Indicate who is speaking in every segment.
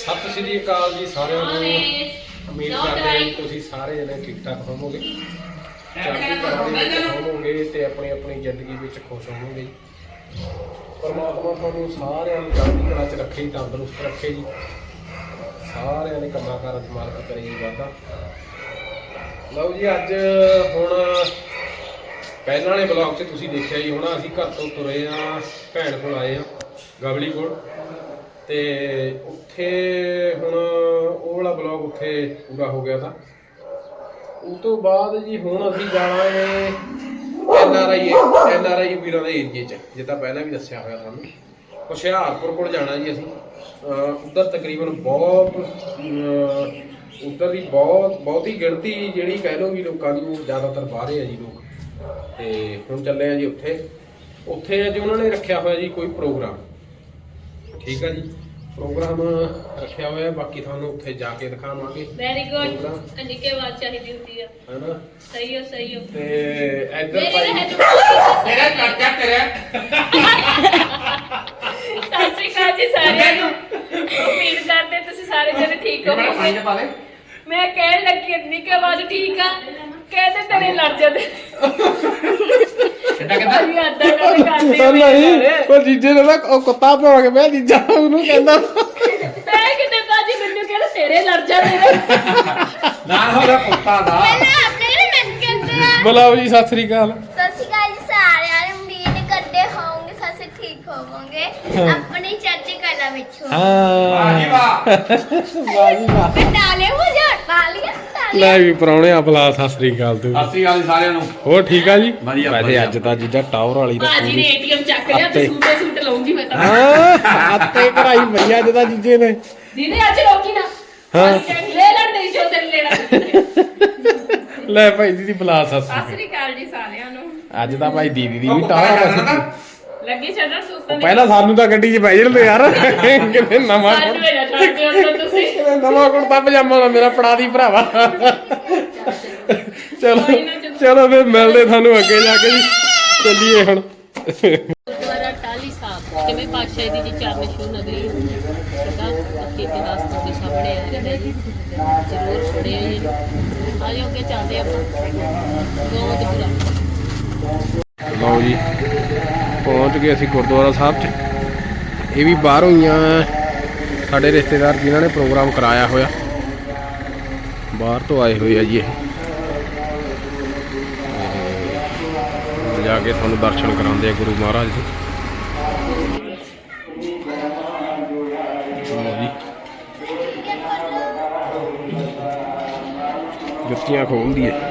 Speaker 1: ਸਤਿ ਸ਼੍ਰੀ ਅਕਾਲ ਜੀ ਸਾਰਿਆਂ ਨੂੰ। ਉਮੀਦ ਕਰਦੇ ਹਾਂ ਜੀ ਤੁਸੀਂ ਸਾਰੇ ਜਣੇ ਠੀਕ ਠਾਕ ਹੋਵੋਗੇ, ਚੜ੍ਹਦੀ ਕਲਾ ਦੇ ਵਿੱਚ ਹੋਵੋਗੇ ਤੇ ਆਪਣੀ ਆਪਣੀ ਜ਼ਿੰਦਗੀ ਵਿੱਚ ਖੁਸ਼ ਹੋਵੋਗੇ ਜੀ। ਪਰਮਾਤਮਾ ਤੁਹਾਨੂੰ ਸਾਰਿਆਂ ਨੂੰ ਚੜ੍ਹਦੀ ਕਲਾ 'ਚ ਰੱਖੇ ਜੀ, ਤੰਦਰੁਸਤ ਰੱਖੇ ਜੀ, ਸਾਰਿਆਂ ਦੇ ਕੰਮਾਂ ਕਾਰਾਂ 'ਚ ਮਾਲਕ ਕਰੇ ਜੀ ਵਾਧਾ। ਲਓ ਜੀ, ਅੱਜ ਹੁਣ ਪਹਿਲਾਂ ਵਾਲੇ ਬਲੌਗ 'ਚ ਤੁਸੀਂ ਦੇਖਿਆ ਜੀ, ਹੁਣ ਅਸੀਂ ਘਰ ਤੋਂ ਤੁਰੇ ਆ, ਭੈਣ ਕੋਲ ਆਏ ਆ ਗਵਲੀ ਕੋਲ, ਤੇ ਉੱਥੇ ਹੁਣ ਉਹ ਵਾਲਾ ਬਲੌਗ ਉੱਥੇ ਪੂਰਾ ਹੋ ਗਿਆ ਤਾਂ ਉਸ ਤੋਂ ਬਾਅਦ ਜੀ ਹੁਣ ਅਸੀਂ ਜਾਣਾ ਹੈ NRI ਵੀਰਾਂ ਦੇ ਏਰੀਏ 'ਚ, ਜਿੱਦਾਂ ਪਹਿਲਾਂ ਵੀ ਦੱਸਿਆ ਹੋਇਆ ਤੁਹਾਨੂੰ। ਹੁਸ਼ਿਆਰਪੁਰ ਕੋਲ ਜਾਣਾ ਜੀ ਅਸੀਂ। ਉੱਧਰ ਤਕਰੀਬਨ ਉੱਧਰ ਦੀ ਬਹੁਤੀ ਗਿਣਤੀ ਜਿਹੜੀ ਕਹਿ ਲਓ ਵੀ ਲੋਕਾਂ ਦੀ, ਉਹ ਜ਼ਿਆਦਾਤਰ ਬਾਹਰੇ ਆ ਜੀ ਲੋਕ। ਤੇ ਹੁਣ ਚੱਲੇ ਆ ਜੀ ਉੱਥੇ ਅੱਜ ਉਹਨਾਂ ਨੇ ਰੱਖਿਆ ਹੋਇਆ ਜੀ ਕੋਈ ਪ੍ਰੋਗਰਾਮ, ਠੀਕ ਆ ਜੀ, ਪ੍ਰੋਗਰਾਮ ਰੱਖਿਆ ਹੋਇਆ। ਬਾਕੀ ਤੁਹਾਨੂੰ ਉੱਥੇ ਜਾ ਕੇ ਦਿਖਾਵਾਂਗੇ।
Speaker 2: ਵੈਰੀ ਗੁੱਡ, ਅੰਨਿਕੇ ਆਵਾਜ਼ ਚਾਹੀਦੀ ਹੁੰਦੀ ਆ, ਹੈਨਾ? ਸਹੀ ਹੋ
Speaker 1: ਤੇ ਇੱਧਰ ਭਾਈ
Speaker 3: ਤੇਰਾ ਕਰਜਾ ਤੇਰਾ।
Speaker 2: ਸਤਿ ਸ਼੍ਰੀ ਅਕਾਲ ਜੀ ਸਾਰਿਆਂ ਨੂੰ। ਉਮੀਦ ਕਰਦੇ ਤੁਸੀਂ ਸਾਰੇ ਜਣੇ ਠੀਕ ਹੋਵੋਗੇ। ਮੈਂ ਕਹਿਣ ਲੱਗੀ ਅੰਨਿਕੇ ਆਵਾਜ਼ ਠੀਕ ਆ, ਕਹਿੰਦੇ ਤੇਰੇ ਲੜ ਜਾਂਦੇ।
Speaker 1: ਉਹ ਜੀਜੇ ਨੇ ਨਾ ਉਹ ਕੁੱਤਾ ਭੌਂ ਕੇ ਮੈਂ ਜੀਜਾ ਉਹਨੂੰ ਕਹਿੰਦਾ,
Speaker 2: ਮੈਂ ਕਿਤੇ ਬਾਜੀ ਮੈਨੂੰ ਕਹਿੰਦਾ ਤੇਰੇ ਲੜ ਜਾਂਦੇ
Speaker 3: ਨਾ ਹੋਇਆ ਕੁੱਤਾ ਦਾ।
Speaker 4: ਪਹਿਲਾਂ ਆਪਣੇ ਨੇ ਮੈਨੂੰ ਕਹਿੰਦੇ ਆ।
Speaker 1: ਬੁਲਾਓ ਜੀ, ਸਤਿ ਸ੍ਰੀ ਅਕਾਲ।
Speaker 4: ਸਤਿ ਸ਼੍ਰੀ ਅਕਾਲ ਜੀ ਸਾਰਿਆਂ ਨੂੰ। ਉਮੀਦ ਕਰਦੇ ਹੋਵੋਗੇ ਤੁਸੀਂ ਠੀਕ ਹੋਵੋਗੇ ਆਪਣੀ ਚੜ੍ਹਦੀ ਕਲਾ ਵਿੱਚ।
Speaker 1: ਵਾਹ ਜੀ ਵਾਹ।
Speaker 4: ਨਾਲੇ ਹੋ ਜਾ ਪਾਲੀਆ
Speaker 1: ਲੈ ਵੀ ਪਰਾਉਣੇ ਆ ਬੁਲਾ। ਸਤਿ ਸ੍ਰੀ ਅਕਾਲ ਤੂੰ।
Speaker 3: ਸਤਿ ਸ਼੍ਰੀ ਅਕਾਲ ਜੀ ਸਾਰਿਆਂ ਨੂੰ।
Speaker 1: ਹੋਰ ਠੀਕ ਆ ਜੀ?
Speaker 3: ਵਧੀਆ,
Speaker 1: ਵੈਸੇ
Speaker 3: ਵਧੀਆ।
Speaker 1: ਅੱਜ ਤਾਂ ਜੀਜਾ ਟਾਵਰ ਵਾਲੀ ਦਾ
Speaker 2: ਬਾਜੀ ਨੇ ATM ਚੱਕ ਲਿਆ ਤੇ ਸੂਟ ਲਾਉਂਗੀ ਮੈਂ ਤਾਂ।
Speaker 1: ਹਾਂ ਅੱਤੇ ਕਢਾਈ ਪਈ ਅੱਜ ਤਾਂ ਜੀਜੇ ਨੇ।
Speaker 2: ਦੀਦੀ ਅੱਜ ਰੋਕੀ ਨਾ।
Speaker 1: ਹਾਂ।
Speaker 2: ਲੈ ਲੜ ਦੇ ਜੋ ਤੇਰੇ ਲੈਣਾ।
Speaker 1: ਲੈ ਭਾਈ ਦੀਦੀ ਬੁਲਾ। ਸਤਿ
Speaker 2: ਸਤਿ
Speaker 1: ਸ੍ਰੀ
Speaker 2: ਸ਼੍ਰੀ ਅਕਾਲ ਜੀ ਸਾਰਿਆਂ ਨੂੰ।
Speaker 1: ਅਕਾਲ। ਅੱਜ ਤਾਂ ਭਾਈ ਦੀਦੀ ਦੀ ਵੀ ਟਾਵਰ
Speaker 2: ਲੱਗੀ ਛੱਡਣ ਸੁਸਤਾਂ
Speaker 1: ਪਹਿਲਾਂ ਸਾਨੂੰ ਤਾਂ ਗੱਡੀ 'ਚ ਬਹਿ ਜਾਂਦੇ ਯਾਰ। ਕਿਤੇ ਨਵਾਂ
Speaker 2: ਅੱਜ ਮੇਰਾ ਛੱਡ ਦਿਓ ਤਾਂ ਤੁਸੀਂ।
Speaker 1: ਕਿਤੇ ਨਵਾਂ ਕੁੜਤਾ ਪਜਾਮਾ ਦਾ ਮੇਰਾ ਫੜਾ ਦੀ ਭਰਾਵਾ। ਚਲੋ ਚਲੋ ਫਿਰ ਮਿਲਦੇ ਤੁਹਾਨੂੰ ਅੱਗੇ ਜਾ ਕੇ ਜੀ। ਚੱਲੀਏ ਹੁਣ।
Speaker 2: ਗੁਰਦੁਆਰਾ ਟਾਹਲੀ ਸਾਹਿਬ ਕਿਵੇਂ ਪਾਤਸ਼ਾਹੀ ਦੀ ਜੀ ਚਰਨ ਛੂਹ ਨਗਰੀ ਦਾ ਖੇਤੀ ਦਾਸਤਾਨ ਦੇ ਸਾਹਮਣੇ ਆ ਰਿਹਾ ਜੀ। ਜ਼ਰੂਰ ਸੁਣਿਓ ਜੀ। ਆਜੋ ਅੱਗੇ ਚੱਲਦੇ ਆਪਾਂ ਗੋਬਿੰਦਪੁਰਾ।
Speaker 1: ਲਓ ਜੀ, ਪਹੁੰਚ ਗਏ ਅਸੀਂ ਗੁਰਦੁਆਰਾ ਸਾਹਿਬ 'ਚ। ਇਹ ਵੀ ਬਾਹਰੋਂ ਹੀ ਆ, ਸਾਡੇ ਰਿਸ਼ਤੇਦਾਰ ਜਿਨ੍ਹਾਂ ਨੇ ਪ੍ਰੋਗਰਾਮ ਕਰਾਇਆ ਹੋਇਆ, ਬਾਹਰ ਤੋਂ ਆਏ ਹੋਏ ਆ ਜੀ। ਇਹ ਜਾ ਕੇ ਤੁਹਾਨੂੰ ਦਰਸ਼ਨ ਕਰਾਉਂਦੇ ਆ ਗੁਰੂ ਮਹਾਰਾਜ ਦੇ। ਜੁੱਤੀਆਂ ਖੋਲਦੀ ਹੈ।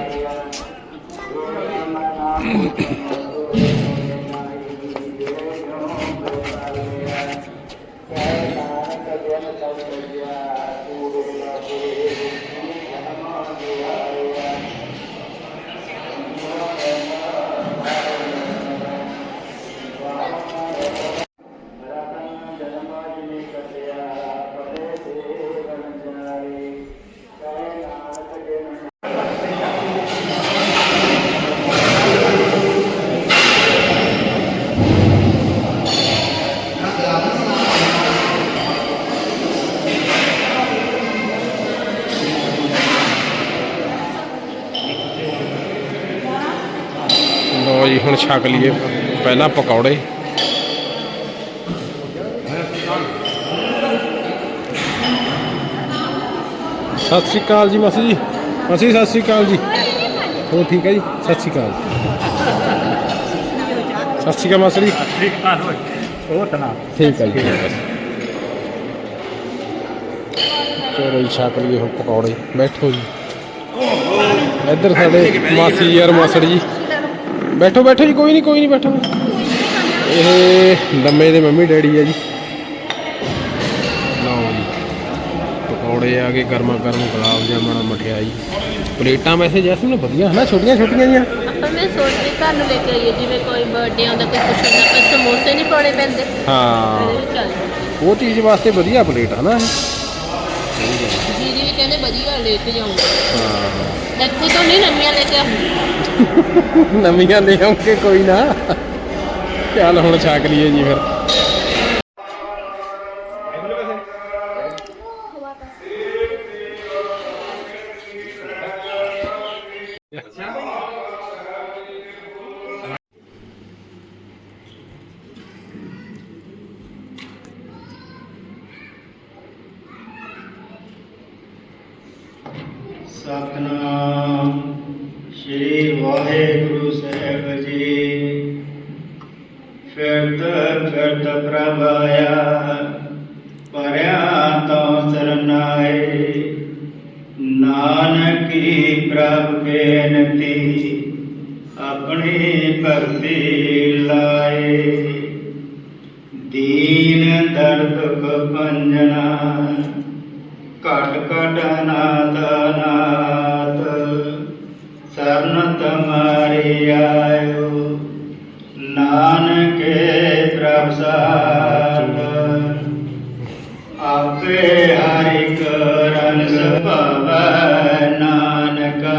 Speaker 1: ਲਓ ਜੀ, ਹੁਣ ਛਕ ਲਈਏ ਪਹਿਲਾਂ ਪਕੌੜੇ। ਸਤਿ ਸ਼੍ਰੀ ਅਕਾਲ ਜੀ ਮਾਸੀ ਜੀ। ਮਾਸੀ ਸਤਿ ਸ਼੍ਰੀ ਅਕਾਲ ਜੀ। ਹੋਰ ਠੀਕ ਹੈ ਜੀ? ਸਤਿ ਸ਼੍ਰੀ ਅਕਾਲ। ਸਤਿ ਸ਼੍ਰੀ ਅਕਾਲ ਮਾਸੀ ਜੀ।
Speaker 3: ਠੀਕ ਆ ਹੋਏ ਉਹ ਤਨਾ
Speaker 1: ਠੀਕ ਹੈ ਜੀ। ਚਲੋ ਜੀ, ਛਕ ਲਈਏ ਹੁਣ ਪਕੌੜੇ। ਬੈਠੋ ਜੀ। ਇੱਧਰ ਸਾਡੇ ਮਾਸੀ ਯਾਰ ਮਾਸੜ ਜੀ। ਬੈਠੋ ਬੈਠੋ ਜੀ, ਕੋਈ ਨਹੀਂ ਬੈਠੋ। ਇਹ ਲੰਮੇ ਦੇ ਮੰਮੀ ਡੈਡੀ ਆ ਜੀ। ਲਓ ਜੀ, ਪਕੌੜੇ ਆ ਗਏ ਗਰਮਾ ਗਰਮ, ਗੁਲਾਬ ਜਾਮਣ, ਮਠਿਆਈ, ਪਲੇਟਾਂ ਵੈਸੇ ਜੈਸਮੀਨ ਵਧੀਆ ਹੈ ਨਾ, ਛੋਟੀਆਂ ਛੋਟੀਆਂ ਜਿਹੀਆਂ।
Speaker 2: ਆਪਾਂ ਮੈਂ ਸੋਚਦੀ ਘਰ ਨੂੰ ਲੈ ਕੇ ਆਈਏ, ਜਿਵੇਂ ਕੋਈ ਬਰਥਡੇ ਆਉਂਦਾ, ਕੋਈ ਕੁਛ ਹੁੰਦਾ, ਪਰ ਸਮੋਸੇ ਨਹੀਂ ਪਾਉਣੇ ਪੈਂਦੇ।
Speaker 1: ਹਾਂ, ਉਹ ਚੀਜ਼ ਵਾਸਤੇ ਵਧੀਆ ਪਲੇਟ ਹੈ ਨਾ।
Speaker 2: ਜੀ ਜੀ ਕਹਿੰਦੇ ਵਧੀਆ ਲੈ ਕੇ ਜਾਊਂਗਾ।
Speaker 1: ਹਾਂ,
Speaker 2: ਇੱਥੇ ਤੋਂ ਨਹੀਂ ਨਵੀਆਂ ਲੈ ਕੇ ਆਉਂਗੀ।
Speaker 1: ਨਵੀਆਂ ਲੈ ਆਉਂਗੇ, ਕੋਈ ਨਾ। ਚੱਲ ਹੁਣ ਛਕ ਲਈਏ ਜੀ ਫਿਰ।
Speaker 5: ਸਤਨਾਮ ਸ੍ਰੀ ਵਾਹਿਗੁਰੂ ਸਾਹਿਬ ਜੀ। ਫਿਰਤ ਪ੍ਰਭ ਆਇਆ, ਪਰਿਆ ਤੋਂ ਸਰਨਾਏ। ਨਾਨਕੀ ਪ੍ਰਭ ਬੇਨਤੀ, ਆਪਣੀ ਭਗਤੀ ਲਾਏ। ਦੀਨ ਦਰਦ ਦੁਖ ਭੰਜਨਾ, ਘਟ ਘਟ ਨਾਦ ਨਾਦ। ਸਰਨ ਤੁਮਾਰੀ ਆਇਓ, ਨਾਨਕੇ ਪ੍ਰਭ ਸਾਧ। ਆਪੇ ਹਰਿ ਕਰਨ ਸੁਭਾਵੈ, ਨਾਨਕਾ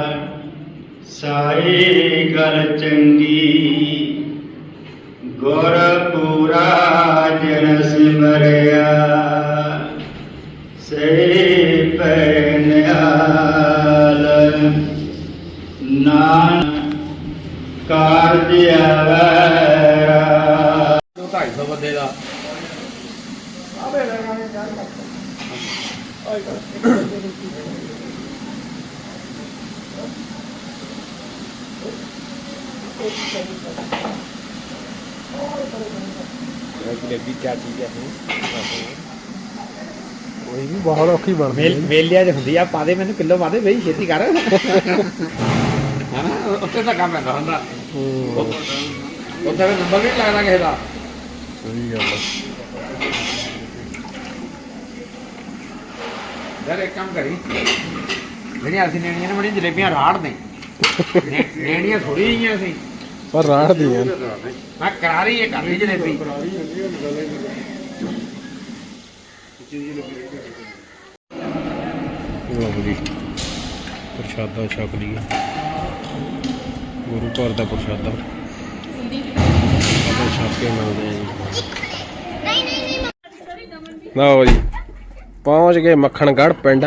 Speaker 5: ਸਾਈ ਗਲ ਚੰਗੀ। ਗੁਰ ਪੂਰਾ ਜਿਨ ਸਿਮਰਿਆ, ਸੇ ਪੈ ਨਿਹਾਲ। ਨਾਨਕ ਕਾਰਜ ਆਵੈ।
Speaker 3: 250 ਬੰਦੇ ਦਾ
Speaker 1: ਜਲੇਬੀ ਕਿਆ ਚੀਜ਼ ਹੈ ਕੋਈ ਵੀ ਬਹੁਤ ਔਖੀ ਬਣਦੀ ਹੈ।
Speaker 3: ਵੇਲਿਆਂ 'ਚ ਹੁੰਦੀ ਆ, ਪਾ ਦੇ ਮੈਨੂੰ ਕਿਲੋ ਪਾ ਦੇ ਬਈ, ਛੇਤੀ ਕਰ ਹਨਾ। ਉੱਥੇ ਤਾਂ ਕੰਮ ਪੈਂਦਾ ਹੁੰਦਾ, ਉੱਥੇ ਵੀ ਨੰਬਰ ਨਹੀਂ ਲੱਗਦਾ ਕਿਸੇ ਦਾ।
Speaker 1: ਸਹੀ ਗੱਲ ਹੈ।
Speaker 3: ਯਾਰ ਇੱਕ ਕੰਮ ਕਰੀ, ਜਿਹੜੀਆਂ ਅਸੀਂ ਲੈਣੀਆਂ ਨੇ ਬੜੀਆਂ ਜਲੇਬੀਆਂ ਰਾੜ ਨੇ, ਲੈਣੀਆਂ ਥੋੜੀ ਜਿਹੀਆਂ ਸੀ
Speaker 1: ਪਰ ਰਾੜਦੀਆਂ
Speaker 3: ਮੈਂ ਕਰਾਰੀ ਇਹ ਕਰ ਲਈ ਜਲੇਬੀ।
Speaker 1: ਲਓ ਜੀ, ਪ੍ਰਸ਼ਾਦਾ ਛਕ ਲਈਏ। ਗੁਰੂ ਘਰ ਦਾ ਪ੍ਰਸ਼ਾਦਾ ਛਕ ਕੇ ਮਿਲਦੇ ਆ ਜੀ।
Speaker 4: ਨਹੀਂ ਨਹੀਂ ਨਹੀਂ
Speaker 1: ਲਓ ਜੀ, ਪਹੁੰਚ ਗਏ ਮੱਖਣਗੜ੍ਹ ਪਿੰਡ।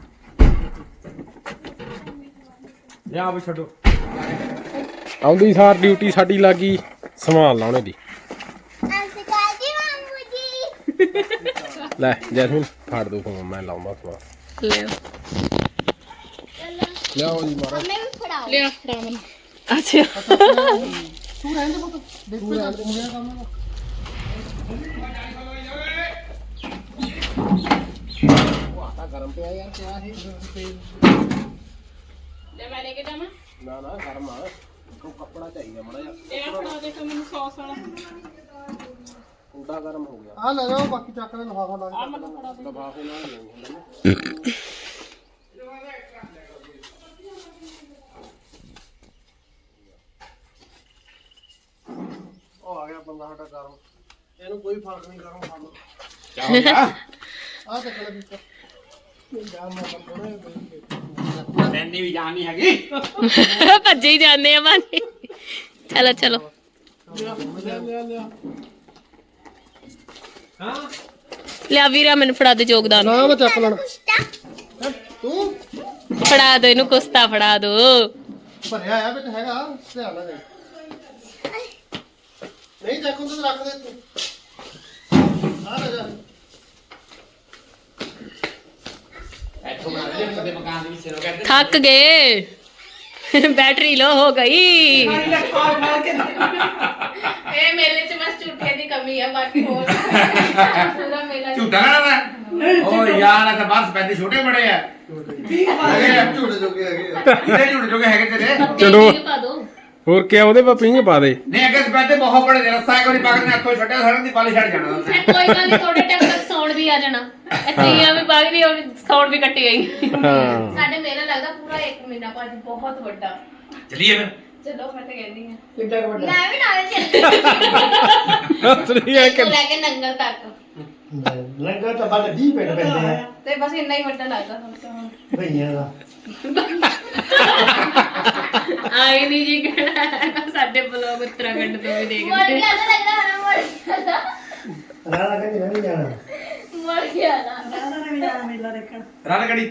Speaker 3: ਜਾ ਵੀ ਛੱਡੋ।
Speaker 1: ਆਉਂਦੀ ਸਾਰ ਡਿਊਟੀ ਸਾਡੀ ਲੱਗੀ ਸਮਾਨ ਲਾਉਣੇ ਦੀ।
Speaker 4: ਅਸਕਾਲ ਜੀ ਮਾਮੂ ਜੀ।
Speaker 1: ਲੈ ਜੈਸਮੀਨ ਫੜ ਦੋ ਫੋਨ, ਮੈਂ ਲਾਉਂਦਾ ਸਮਾਨ।
Speaker 2: ਲਿਓ
Speaker 1: ਲਿਆਓ ਜੀ ਮਹਾਰਾਜ।
Speaker 4: ਹਮੇ ਵੀ ਫੜਾਓ।
Speaker 2: ਲਿਆ ਫੜਾ ਮੈਨੂੰ। ਅੱਛਾ
Speaker 1: ਗਰਮ ਪਿਆ ਯਾਰ, ਕਿਆ ਹੈ
Speaker 2: ਲੈ ਮੈਂ ਲੈ ਕੇ ਜਾਵਾਂ।
Speaker 1: ਨਾ ਨਾ ਗਰਮ ਆ, ਉਹ ਕੱਪੜਾ ਚਾਹੀਦਾ ਮਾੜਾ ਜਿਹਾ।
Speaker 2: ਇਹ ਫੜਾ ਦੇ ਫਿਰ ਮੈਨੂੰ ਸੌਸ ਵਾਲਾ।
Speaker 1: ਕੁੰਡਾ ਗਰਮ ਹੋ ਗਿਆ।
Speaker 5: ਆ ਲੈ ਜਾਓ, ਬਾਕੀ ਚੱਕ ਲੈ ਲਿਫਾਫਾ ਲਾ
Speaker 2: ਆ ਮੈਨੂੰ ਫੜਾ ਦੇ।
Speaker 1: ਲਫਾਫੇ ਨਾਲ ਨਹੀਂ ਹੁੰਦਾ ਨਾ।
Speaker 5: ਉਹ ਆ ਗਿਆ ਬੰਦਾ ਸਾਡਾ ਗਰਮ, ਇਹਨੂੰ ਕੋਈ ਫਰਕ ਨਹੀਂ ਗਰਮ ਖਾਣ ਨੂੰ।
Speaker 3: ਕਿਆ ਹੋ ਗਿਆ?
Speaker 5: ਆ ਚੱਕ ਲੈ ਵਿੱਚ ਜਾਨ ਨਾ ਬੰਦਣੇ।
Speaker 3: ਮੈਨੀ ਵੀ ਜਾਣ ਨਹੀਂ ਹੈਗੀ।
Speaker 2: ਭੱਜੇ ਹੀ ਜਾਂਦੇ ਆ ਬਾਨੀ। ਚਲੋ ਚਲੋ ਲਿਆ ਵੀਰਾ, ਮੈਨੂੰ ਫੜਾ ਦੇ ਯੋਗਦਾਨ।
Speaker 5: ਨਾ ਮੈਂ ਚੱਕ ਲੈਣਾ।
Speaker 4: ਕੁਸ਼ਤਾ
Speaker 5: ਤੂੰ
Speaker 2: ਫੜਾ ਦੋ ਇਹਨੂੰ, ਕੁਸਤਾ ਫੜਾ ਦੋ।
Speaker 5: ਭਰਿਆ ਆ ਵਿੱਚ ਹੈਗਾ, ਧਿਆਨ ਨਾਲ ਦੇਖ। ਨਹੀਂ ਚੱਕ ਹੁੰਦਾ ਤਾਂ ਰੱਖ ਦੇ ਤੂੰ। ਆ ਲੈ ਜਾ।
Speaker 3: ਇੱਥੋਂ ਬਣਾ ਲੈ ਕਦੇ ਮਕਾਨ ਦੇ ਵਿੱਚ ਸਿਰੋਂ ਕਹਿੰਦੇ
Speaker 2: ਥੱਕ ਗਏ, बैटरी लो हो गई।
Speaker 6: ये मेले च बस झूठे दी कमी है, बाकी और पूरा मेला
Speaker 3: ਝੂਠਾ ਨਾ ਮੈਂ ਓ ਯਾਰ ਇਹ ਤਾਂ ਬਸ ਪੈਦੇ ਛੋਟੇ ਬੜੇ ਆ
Speaker 5: ਝੂੜੇ ਜੋਗੇ ਹੈਗੇ ਆ।
Speaker 3: ਇਹਦੇ ਝੂਠ ਜੋਗੇ ਹੈਗੇ ਤੇਰੇ
Speaker 1: ਚਲੋ।
Speaker 2: पा दो।
Speaker 1: ਹੋਰ ਕਿਆ ਉਹਦੇ ਪਾ ਪਿੰਗ ਪਾ ਦੇ।
Speaker 3: ਨਹੀਂ ਅੱਗੇ ਪੈਦੇ ਬਹੁਤ ਬੜੇ ਨੇ, ਰਸਤਾ ਇੱਕ ਵਾਰੀ ਪਕੜ ਨੇ ਹੱਥੋਂ ਛੱਡਿਆ ਸਾਰਿਆਂ ਦੀ ਪਾਲੀ ਛੱਡ ਜਾਣਾ ਉਹਨੇ।
Speaker 2: कोई गल नहीं, थोड़े टाइम तक साउंड भी आ जाना। इतनी भी भाग रही और साउंड भी कटी गई।
Speaker 1: ਹਾਂ
Speaker 6: साडे मेला लगदा पूरा 1 महीना भाजी, बहुत बड़ा।
Speaker 3: ਚਲੀਏ ਫਿਰ
Speaker 6: चलो मैं तो कहनी है
Speaker 5: ਕਿੱਡਾ ਕੁ ਵੱਡਾ
Speaker 4: ਮੈਂ ਵੀ ਨਾਲ ਚੱਲ
Speaker 1: ਅਸਲੀ ਹੈ ਕਿ
Speaker 6: तो लेके नंगल तक
Speaker 5: ਲੰਗਾ ਤਾਂ ਬਾਲੇ 20 ਪਿੰਡ ਪੈਂਦੇ ਆ
Speaker 6: ते बस इतना ही बड़ा लगदा हम तो।
Speaker 5: ਭਈਆਂ ਦਾ।
Speaker 2: आई नहीं जी कहना साडे ब्लॉग उत्तराखंड तो भी देख
Speaker 4: ਮਰ ਗਿਆ ਤਾਂ ਲੱਗਦਾ ਹਨਾ, ਮਰ ਗਿਆ
Speaker 5: ਰਾਣਾ ਕਹਿੰਦੀ ਮੈਂ ਨਹੀਂ ਜਾਣਾ।
Speaker 4: ਮਰ ਗਿਆ ਨਾ
Speaker 3: ਰਨ ਕੜੀ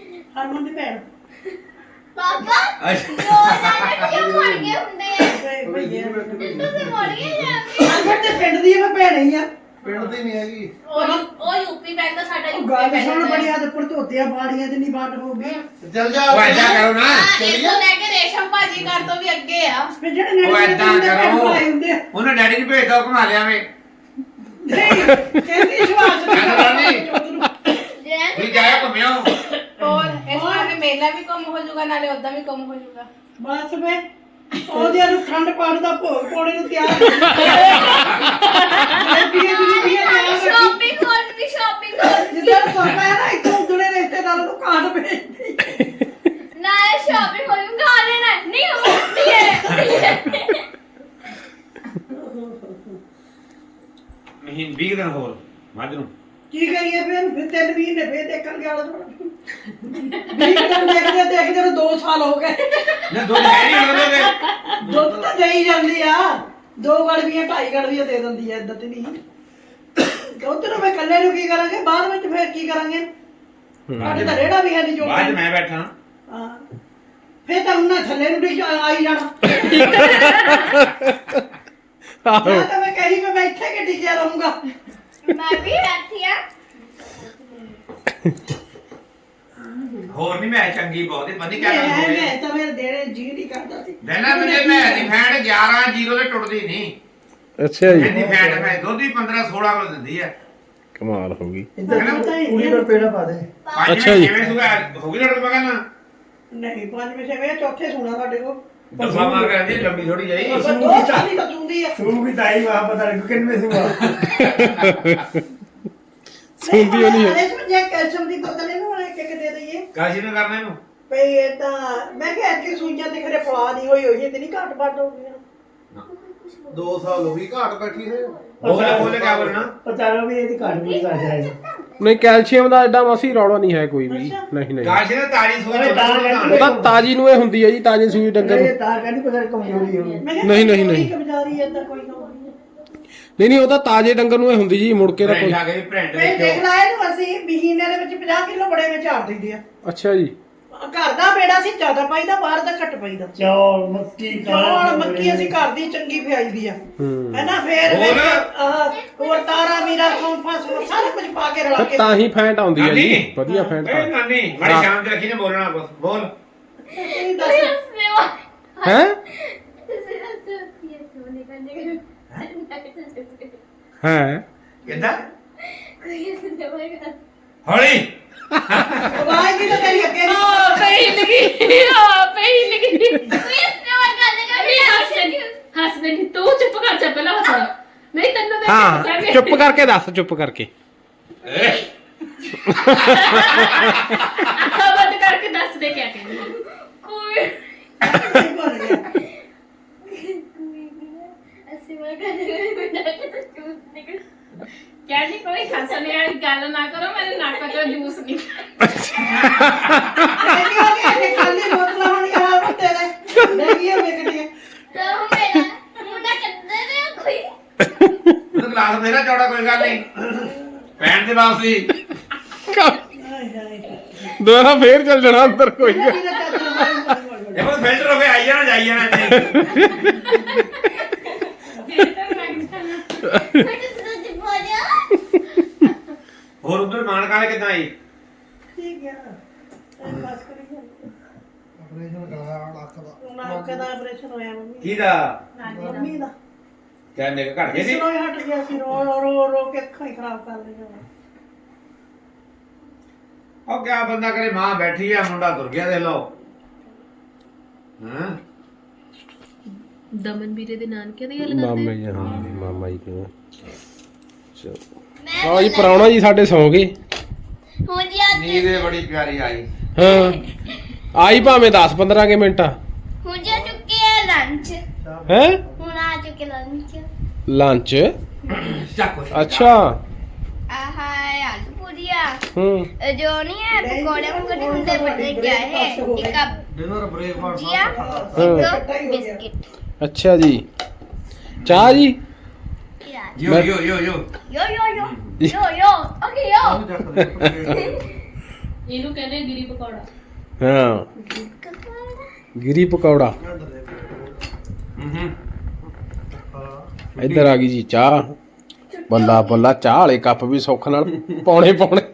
Speaker 4: ਪਾਪਾ
Speaker 3: ਅੱਛਾ
Speaker 4: ਦੋ ਜਾਣੇ ਕਿਉਂ ਮਰ ਗਏ ਹੁੰਦੇ ਆ ਤੁਸੀਂ ਮਰ ਗਏ ਜਾਂਦੇ
Speaker 7: ਅੰਦਰ ਤੇ ਪਿੰਡ ਦੀ ਮੈਂ ਭੈਣ ਹੀ ਆ
Speaker 5: ਪਿੰਡ ਦੀ ਨਹੀਂ ਹੈਗੀ।
Speaker 6: ਉਹ ਯੂਪੀ ਪੈਂਦਾ, ਸਾਡਾ ਯੂਪੀ
Speaker 7: ਗੱਲ
Speaker 6: ਪੈਂਦਾ
Speaker 7: ਸੁਣ ਬੜੀ ਹੱਦ ਪਰ ਧੋਤਿਆ ਬਾੜੀਆਂ ਚ ਨਹੀਂ ਵੰਡ ਹੋ ਗਈ
Speaker 5: ਚੱਲ ਜਾ
Speaker 3: ਉਹ ਏਦਾਂ ਕਰੋ ਨਾ
Speaker 6: ਇਹਨੂੰ ਲੈ ਕੇ ਰੇਸ਼ਮ ਭਾਜੀ ਘਰ ਤੋਂ ਵੀ ਅੱਗੇ ਆ।
Speaker 7: ਫਿਰ ਜਿਹੜੇ
Speaker 3: ਉਹ ਏਦਾਂ ਕਰੋ
Speaker 7: ਹੁੰਦੇ ਆ।
Speaker 3: ਉਹਨਾਂ ਡੈਡੀ ਨੂੰ ਭੇਜ ਦੋ ਘੁਮਾ ਲਿਆਵੇਂ
Speaker 7: ਨਹੀਂ ਕਹਿੰਦੀ ਵਿਸ਼ਵਾਸ
Speaker 3: ਵੀ ਜਾਇਆ ਘੁੰਮਿਓ
Speaker 6: ਹੋਰ ਇਸ ਵਾਰ ਮੇਲਾ ਵੀ ਕੰਮ ਹੋ ਜਾਊਗਾ, ਨਾਲੇ ਉਦਾਂ ਵੀ ਕੰਮ ਹੋ ਜਾਊਗਾ।
Speaker 7: ਬਸ ਵੇ ਉਹਦੇ ਨੂੰ ਠੰਡ ਪਾਣ ਦਾ ਭੋਗ ਪਾਉਣੇ ਨੂੰ ਤਿਆਰ
Speaker 4: ਸ਼ਾਪਿੰਗ ਹੋਣ ਦੀ ਸ਼ਾਪਿੰਗ ਹੋਣ
Speaker 7: ਜਿੱਦਾਂ ਪਾਪਾ ਹੈ ਨਾ ਇੱਥੋਂ ਉਧੜੇ ਰਿਸ਼ਤੇਦਾਰਾਂ ਨੂੰ ਕਾਟ ਭੇਜਦੀ
Speaker 4: ਨਾਲੇ ਸ਼ਾਪਿੰਗ ਹੋਣ ਗਾ ਲੈਣਾ ਨਹੀਂ ਹੁੰਦੀ ਹੈ।
Speaker 3: ਮਹੀਨ 20 ਦਿਨ ਹੋਰ ਮੱਝ ਨੂੰ
Speaker 7: ਕੀ ਕਰੀਏ ਫਿਰ 3 ਮਹੀਨੇ ਫੇਰ ਦੇਖਣਗੇ ਆਲਾ ਥੋੜਾ 20 ਦਿਨ ਦੇਖਦੇ ਨੂੰ 2 ਸਾਲ ਹੋ ਗਏ
Speaker 3: ਨਾ ਦੁੱਧ ਹੈ ਨਹੀਂ ਉਹਦੇ
Speaker 7: ਦੁੱਧ ਤਾਂ ਦੇਈ ਜਾਂਦੀ ਆ 2 ਗੜਵੀਆਂ 2.5 ਗੜਵੀਆਂ ਦੇ ਦਿੰਦੀ ਆ ਇਦਾਂ ਤੇ ਨਹੀਂ ਦੁੱਧ ਨੂੰ ਮੈਂ ਇਕੱਲੇ ਨੂੰ ਕੀ ਕਰਾਂਗੇ ਬਾਅਦ ਵਿੱਚ ਫੇਰ ਕੀ ਕਰਾਂਗੇ ਸਾਡੇ ਤਾਂ ਰੇੜਾ ਵੀ ਹੈ ਨਹੀਂ ਜੋ
Speaker 3: ਬਾਅਦ ਮੈਂ ਬੈਠਾ
Speaker 7: ਹਾਂ ਫੇਰ ਤਾਂ ਉਹਨਾਂ ਥੱਲੇ ਨੂੰ ਡਿੱਗ ਆਈ ਜਾਣਾ ਜਾਂ ਤਾਂ ਮੈਂ ਕਹੀ ਮੈਂ ਇੱਥੇ ਕਿ ਟਿਕਿਆ ਰਹੂੰਗਾ
Speaker 4: ਮੈਂ ਵੀ ਬੈਠੀ ਆ।
Speaker 3: ਹੋਰ ਨਹੀਂ ਮੈਂ ਚੰਗੀ ਬਹੁਤ ਹੀ ਪਤਾ ਕਿਆ ਗੱਲ
Speaker 7: ਮੈਂ
Speaker 3: ਹੋਈ
Speaker 7: ਮੈਂ ਤਾਂ ਮੇਰੇ ਦੇਣੇ ਜੀ ਨਹੀਂ ਕਰਦਾ ਸੀ
Speaker 3: ਦੇਣਾ ਤੇ ਮੈਂ ਦੀ ਫੈਂਟ 11-0 ਤੇ ਟੁੱਟਦੀ ਨਹੀਂ
Speaker 1: ਅੱਛਾ ਜੀ
Speaker 3: ਇੰਨੀ ਫੈਂਟ ਮੈਂ ਦੁੱਧ ਹੀ 15-16 ਕਿਲੋ ਦਿੰਦੀ ਹੈ
Speaker 1: ਕਮਾਲ ਹੋ ਗਈ
Speaker 5: ਪੂਰੀ ਪਰ ਪੇੜਾ ਪਾ ਦੇ।
Speaker 1: ਅੱਛਾ ਜੀ।
Speaker 3: ਕਿਵੇਂ ਸੁਗਾ ਹੋ ਗਈ ਲੜ ਪਗਾ ਨਾ
Speaker 7: ਨਹੀਂ 5 ਵਜੇ ਵੇ ਚੌਥੇ ਸੋਣਾ ਸਾਡੇ ਕੋਲ
Speaker 3: ਦਫਾ ਮਾਰ ਕੇ ਆਂਦੀ ਲੰਬੀ ਥੋੜੀ ਜਾਈ
Speaker 7: ਬਸ 2 ਸਾਲ ਹੀ ਬਚੂੰਦੀ ਆ
Speaker 5: ਤੂੰ ਵੀ ਤਾਈ ਵਾ ਪਤਾ ਨਹੀਂ ਕਿੰਨੇ ਸੁਆ।
Speaker 1: ਸੁਣਦੀ ਉਹ ਨਹੀਂ ਹੈ
Speaker 7: ਅਰੇ ਜੇ ਕੈਲਸ਼ੀਅਮ ਦੀ ਬੋਤਲ ਇਹਨੂੰ ਇੱਕ ਇੱਕ ਦੇ ਦਈਏ
Speaker 3: ਕਾਸ਼ੀ ਨੇ ਕਰਨਾ ਇਹਨੂੰ
Speaker 7: ਭਈ ਇਹ ਤਾਂ ਮੈਂ ਕਿਹਾ ਕਿ ਸੂਈਆਂ ਤੇ ਖਰੇ ਪਲਾ ਨਹੀਂ ਹੋਈ ਹੋਈ ਤੇ ਨਹੀਂ ਘਾਟ ਵੱਟ ਹੋ ਗਈ
Speaker 5: 2 ਸਾਲ ਹੋ ਗਈ ਘਾਟ ਬੈਠੀ ਹੈ।
Speaker 3: ਬੋਲੇ ਕਿਆ ਬੋਲਣਾ
Speaker 5: ਪਤਾ ਨਾ ਵੀ ਇਹਦੀ ਘਾਟ ਨਹੀਂ ਕਰ ਜਾਏਗਾ।
Speaker 1: ਨਹੀਂ ਕੈਲਸ਼ੀਅਮ ਦਾ ਐਡਾ ਮਸੀ ਰੌਲਾ ਨਹੀਂ ਹੈ ਕੋਈ ਵੀ ਨਹੀਂ ਨਹੀਂ
Speaker 3: ਕਾਸ਼ੀ ਨੇ ਤਾਰੀ ਸੂਈ
Speaker 1: ਉਹ ਤਾਂ ਤਾਜੀ ਨੂੰ ਇਹ ਹੁੰਦੀ ਹੈ ਜੀ ਤਾਜੀ ਸੂਈ ਡੰਗਰ ਨੂੰ
Speaker 5: ਇਹ ਤਾਂ ਕਹਿੰਦੀ ਪਤਾ ਨਹੀਂ ਕਮਜ਼ੋਰੀ ਹੋਣੀ।
Speaker 7: ਮੈਂ
Speaker 1: ਨਹੀਂ, ਨਹੀਂ, ਨਹੀਂ।
Speaker 7: ਕਮਜ਼ਾਰੀ ਏਦਾਂ ਕੋਈ ਕੰਮ ਨਹੀਂ
Speaker 1: ਨਹੀਂ ਉਹ ਤਾਂ ਤਾਜੇ ਡੰਗਰ ਨੂੰ ਇਹ ਹੁੰਦੀ ਜੀ ਮੁੜ ਕੇ ਤਾਂ ਕੋਈ
Speaker 3: ਆ ਗਈ ਪ੍ਰਿੰਟ
Speaker 7: ਮੈਂ ਦੇਖ
Speaker 3: ਦੇਖਿਓ
Speaker 7: ਲਾਇਆ ਨੂੰ ਅਸੀਂ ਮਹੀਨੇ ਦੇ ਵਿੱਚ 50 ਕਿਲੋ ਬੜੇ ਵਿੱਚ ਝਾੜ ਦਿੰਦੇ ਆ
Speaker 1: ਅੱਛਾ ਜੀ
Speaker 7: ਘਰ ਦਾ ਬੇੜਾ ਸੀ ਜ਼ਿਆਦਾ ਪਾਈਦਾ ਬਾਹਰ ਦਾ ਘੱਟ ਪਾਈਦਾ
Speaker 5: ਚੌਲ ਮੱਕੀ
Speaker 7: ਚੌਲ ਮੱਕੀ ਅਸੀਂ ਘਰ ਦੀ ਚੰਗੀ ਪਿਆਈਦੀ ਆ
Speaker 1: ਹੂੰ
Speaker 7: ਹੈਨਾ ਫੇਰ
Speaker 3: ਹੋਰ?
Speaker 7: ਹੋਰ ਤਾਰਾ ਮੀਰਾ ਸੌਂਫਾ ਸਾਰਾ ਕੁਝ ਪਾ ਕੇ ਰਲਾ ਕੇ
Speaker 1: ਤਾਂ ਹੀ ਫੈਂਟ ਆਉਂਦੀ ਹੈ ਜੀ
Speaker 3: ਨਾਨੀ।
Speaker 1: ਵਧੀਆ ਫੈਂਟ
Speaker 3: ਏ ਨਾਨੀ ਮਾੜੀ ਸ਼ਾਮ ਤੇ ਰੱਖੀ ਨੇ ਬੋਲਣਾ ਕੁਛ ਬੋਲ
Speaker 7: ਤੁਸੀਂ ਦੱਸ
Speaker 1: ਹੈ ਹੈ
Speaker 3: ਕਿੱਦਾਂ ਹੌਲੀ
Speaker 7: ਆਵਾਜ਼ ਵੀ ਤਾਂ ਤੇਰੀ ਅੱਗੇ ਨਹੀਂ
Speaker 2: ਆ ਪਈ ਲਗੀ ਆ ਪਈ ਲਗੀ ਹੱਸਦੇ ਨਹੀਂ ਤੂੰ ਚੁੱਪ ਕਰ ਜਾ ਪਹਿਲਾਂ ਹੱਸ ਨਹੀਂ ਤੈਨੂੰ ਦੇਖ
Speaker 1: ਹਾਂ ਚੁੱਪ ਕਰਕੇ ਦੱਸ ਚੁੱਪ ਕਰਕੇ
Speaker 2: ਅੱਖਾਂ ਬੰਦ ਕਰਕੇ ਦੱਸ ਦੇ ਕਿਆ ਕਹਿੰਦੀ
Speaker 4: ਕੋਈ
Speaker 7: ਭੁੱਲ ਗਿਆ
Speaker 4: ਅਸੀਂ ਮੈਂ ਕਹਿੰਦੇ ਬਿਨਾ ਕਿ ਜੂਸ ਨਿਕਲ
Speaker 2: ਕਿਆ ਜੀ ਕੋਈ ਹੱਸਣ ਵਾਲੀ ਗੱਲ ਨਾ ਕਰੋ ਮੇਰੇ ਨੱਕ ਚੋਂ ਜੂਸ ਨਹੀਂ
Speaker 7: ਇਹ ਹੋ ਗਿਆ ਕਿ ਖਾਲੀ ਬੋਤਲਾਂ ਹੋਣੀਆਂ ਆ ਤੇਰੇ ਦੇਖੀਏ ਵੇਖਦੀ
Speaker 4: ਤਾਂ ਮੇਰਾ ਮੁੰਡਾ ਕਿੱਦਾਂ ਦੇ ਕੋਈ
Speaker 3: ਉਹ ਗਲਾਸ ਮੇਰਾ ਚੌੜਾ ਕੋਈ ਗੱਲ ਨਹੀਂ ਪੈਣ ਦੇ ਵਾਸਤੇ
Speaker 1: ਦੁਬਾਰਾ ਫੇਰ ਚੱਲ ਜਾਣਾ ਅੰਦਰ ਕੋਈ ਗੱਲ।
Speaker 3: ਇਹ ਬਸ ਫਿਲਟਰ ਹੋ ਕੇ ਆਈ ਜਾਣਾ ਜਾਈ ਜਾਣਾ ਇੱਥੇ।
Speaker 4: ਮੈਂ ਤਾਂ ਸੱਚ ਬੋਲਿਆ
Speaker 3: ਹੋਰ ਉਧਰ ਮਾਨਕ ਵਾਲੇ ਕਿੱਦਾਂ ਆਈ
Speaker 7: ਠੀਕ ਹੈ ਟਾਈਮ ਪਾਸ ਕਰੀ ਜਾਂਦੇ
Speaker 5: ਆਪਰੇਸ਼ਨ ਕਰਾਇਆ ਲੱਖ ਦਾ।
Speaker 7: ਨਾਕ ਦਾ ਆਪਰੇਸ਼ਨ ਹੋਇਆ ਮੰਮੀ
Speaker 3: ਕਿਹਦਾ
Speaker 7: ਮੰਮੀ ਦਾ
Speaker 3: ਕਹਿੰਦੇ ਕਿ ਘਟ ਗਏ ਸੀ
Speaker 7: ਇਸਨੋਂ ਹੀ ਹਟ ਗਿਆ ਸੀ ਰੋ ਕੇ ਅੱਖਾਂ ਹੀ ਖਰਾਬ ਕਰ ਲਈਆਂ
Speaker 3: ਉਹ ਕਿਆ ਬੰਦਾ ਕਰੇ ਮਾਂ ਬੈਠੀ ਆ ਮੁੰਡਾ ਤੁਰ ਗਿਆ ਦੇ ਲਓ ਹਾਂ
Speaker 2: ਦਮਨ ਵੀਰੇ ਦੇ ਨਾਨਕੇ ਦੀ ਗੱਲ
Speaker 1: ਮਾਮਾ ਜੀ ਹਾਂ ਮਾਮਾ ਜੀ ਕਿਵੇਂ ਚਲੋ
Speaker 4: ਮੈਂ
Speaker 1: ਆਹ ਜੀ ਪ੍ਰਾਹੁਣਾ ਜੀ ਸਾਡੇ ਸੌਂ ਗਏ
Speaker 4: ਹੁਣ ਜੀ ਅੱਜ
Speaker 3: ਨੀਂਦ ਇਹ ਬੜੀ ਪਿਆਰੀ ਆਈ
Speaker 1: ਹਾਂ ਆਈ ਭਾਵੇਂ 10-15 ਕੇ ਮਿੰਟ
Speaker 4: ਹੁਣ ਜਾ ਚੁੱਕੇ ਹੈ ਲੰਚ
Speaker 1: ਹੈ
Speaker 4: ਹੁਣ ਆ ਚੁੱਕੇ ਲੰਚ
Speaker 1: ਲੰਚ
Speaker 3: ਚੱਕ
Speaker 1: ਅੱਛਾ
Speaker 4: ਆਹਾ ਆਲੂ ਪੂਰੀਆ
Speaker 1: ਹੂੰ
Speaker 4: ਜੋ ਨਹੀਂ ਹੈ ਪਕੌੜੇ ਵਗੈरह ਹੁੰਦੇ ਬਣੇ ਗਿਆ ਹੈ ਇੱਕ ਆ
Speaker 5: ਡਿਨਰ ਬ੍ਰੇਕਫਾਸਟ
Speaker 4: ਭੁਜੀਆ
Speaker 1: ਹਾਂ
Speaker 4: ਇੱਕ ਬਿਸਕਿਟ
Speaker 1: ਅੱਛਾ ਜੀ ਚਾਹ ਜੀ
Speaker 3: ਯੋ ਯੋ ਯੋ ਯੋ
Speaker 4: ਯੋ ਯੋ ਯੋ ਯੋ ਯੋ ਓਕੇ ਯੋ
Speaker 2: ਇਹਨੂੰ ਕਹਿੰਦੇ ਗਿਰੀ ਪਕੌੜਾ
Speaker 1: ਹਾਂ ਗਿਰੀ ਪਕੌੜਾ
Speaker 3: ਹੂੰ
Speaker 1: ਇੱਧਰ ਆ ਗਈ ਜੀ ਚਾਹ ਬੱਲਾ ਬੱਲਾ ਚਾਹ ਵਾਲੇ ਕੱਪ ਵੀ ਸੁੱਖ ਨਾਲ ਪੌਣੇ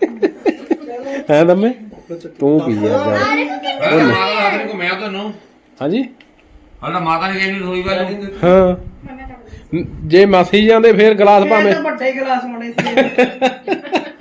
Speaker 1: ਹੈ ਦਮੇ ਤੂੰ ਪੀ ਜਾ
Speaker 3: ਮਾਤਾ ਨੇ ਘੁੰਮਿਆ ਤੁਹਾਨੂੰ
Speaker 1: ਹਾਂਜੀ
Speaker 3: ਹਾਲਾ ਮਾਤਾ ਨੇ ਕਹਿੰਦੀ ਰਸੋਈ ਵਾਲੀ
Speaker 1: ਹਾਂ ਜੇ ਮਸੀ ਜਾਂਦੇ ਫੇਰ ਗਲਾਸ ਭਾਵੇਂ
Speaker 7: ਤਾਂ ਵੱਡੇ ਗਲਾਸ ਹੋਣੇ ਸੀ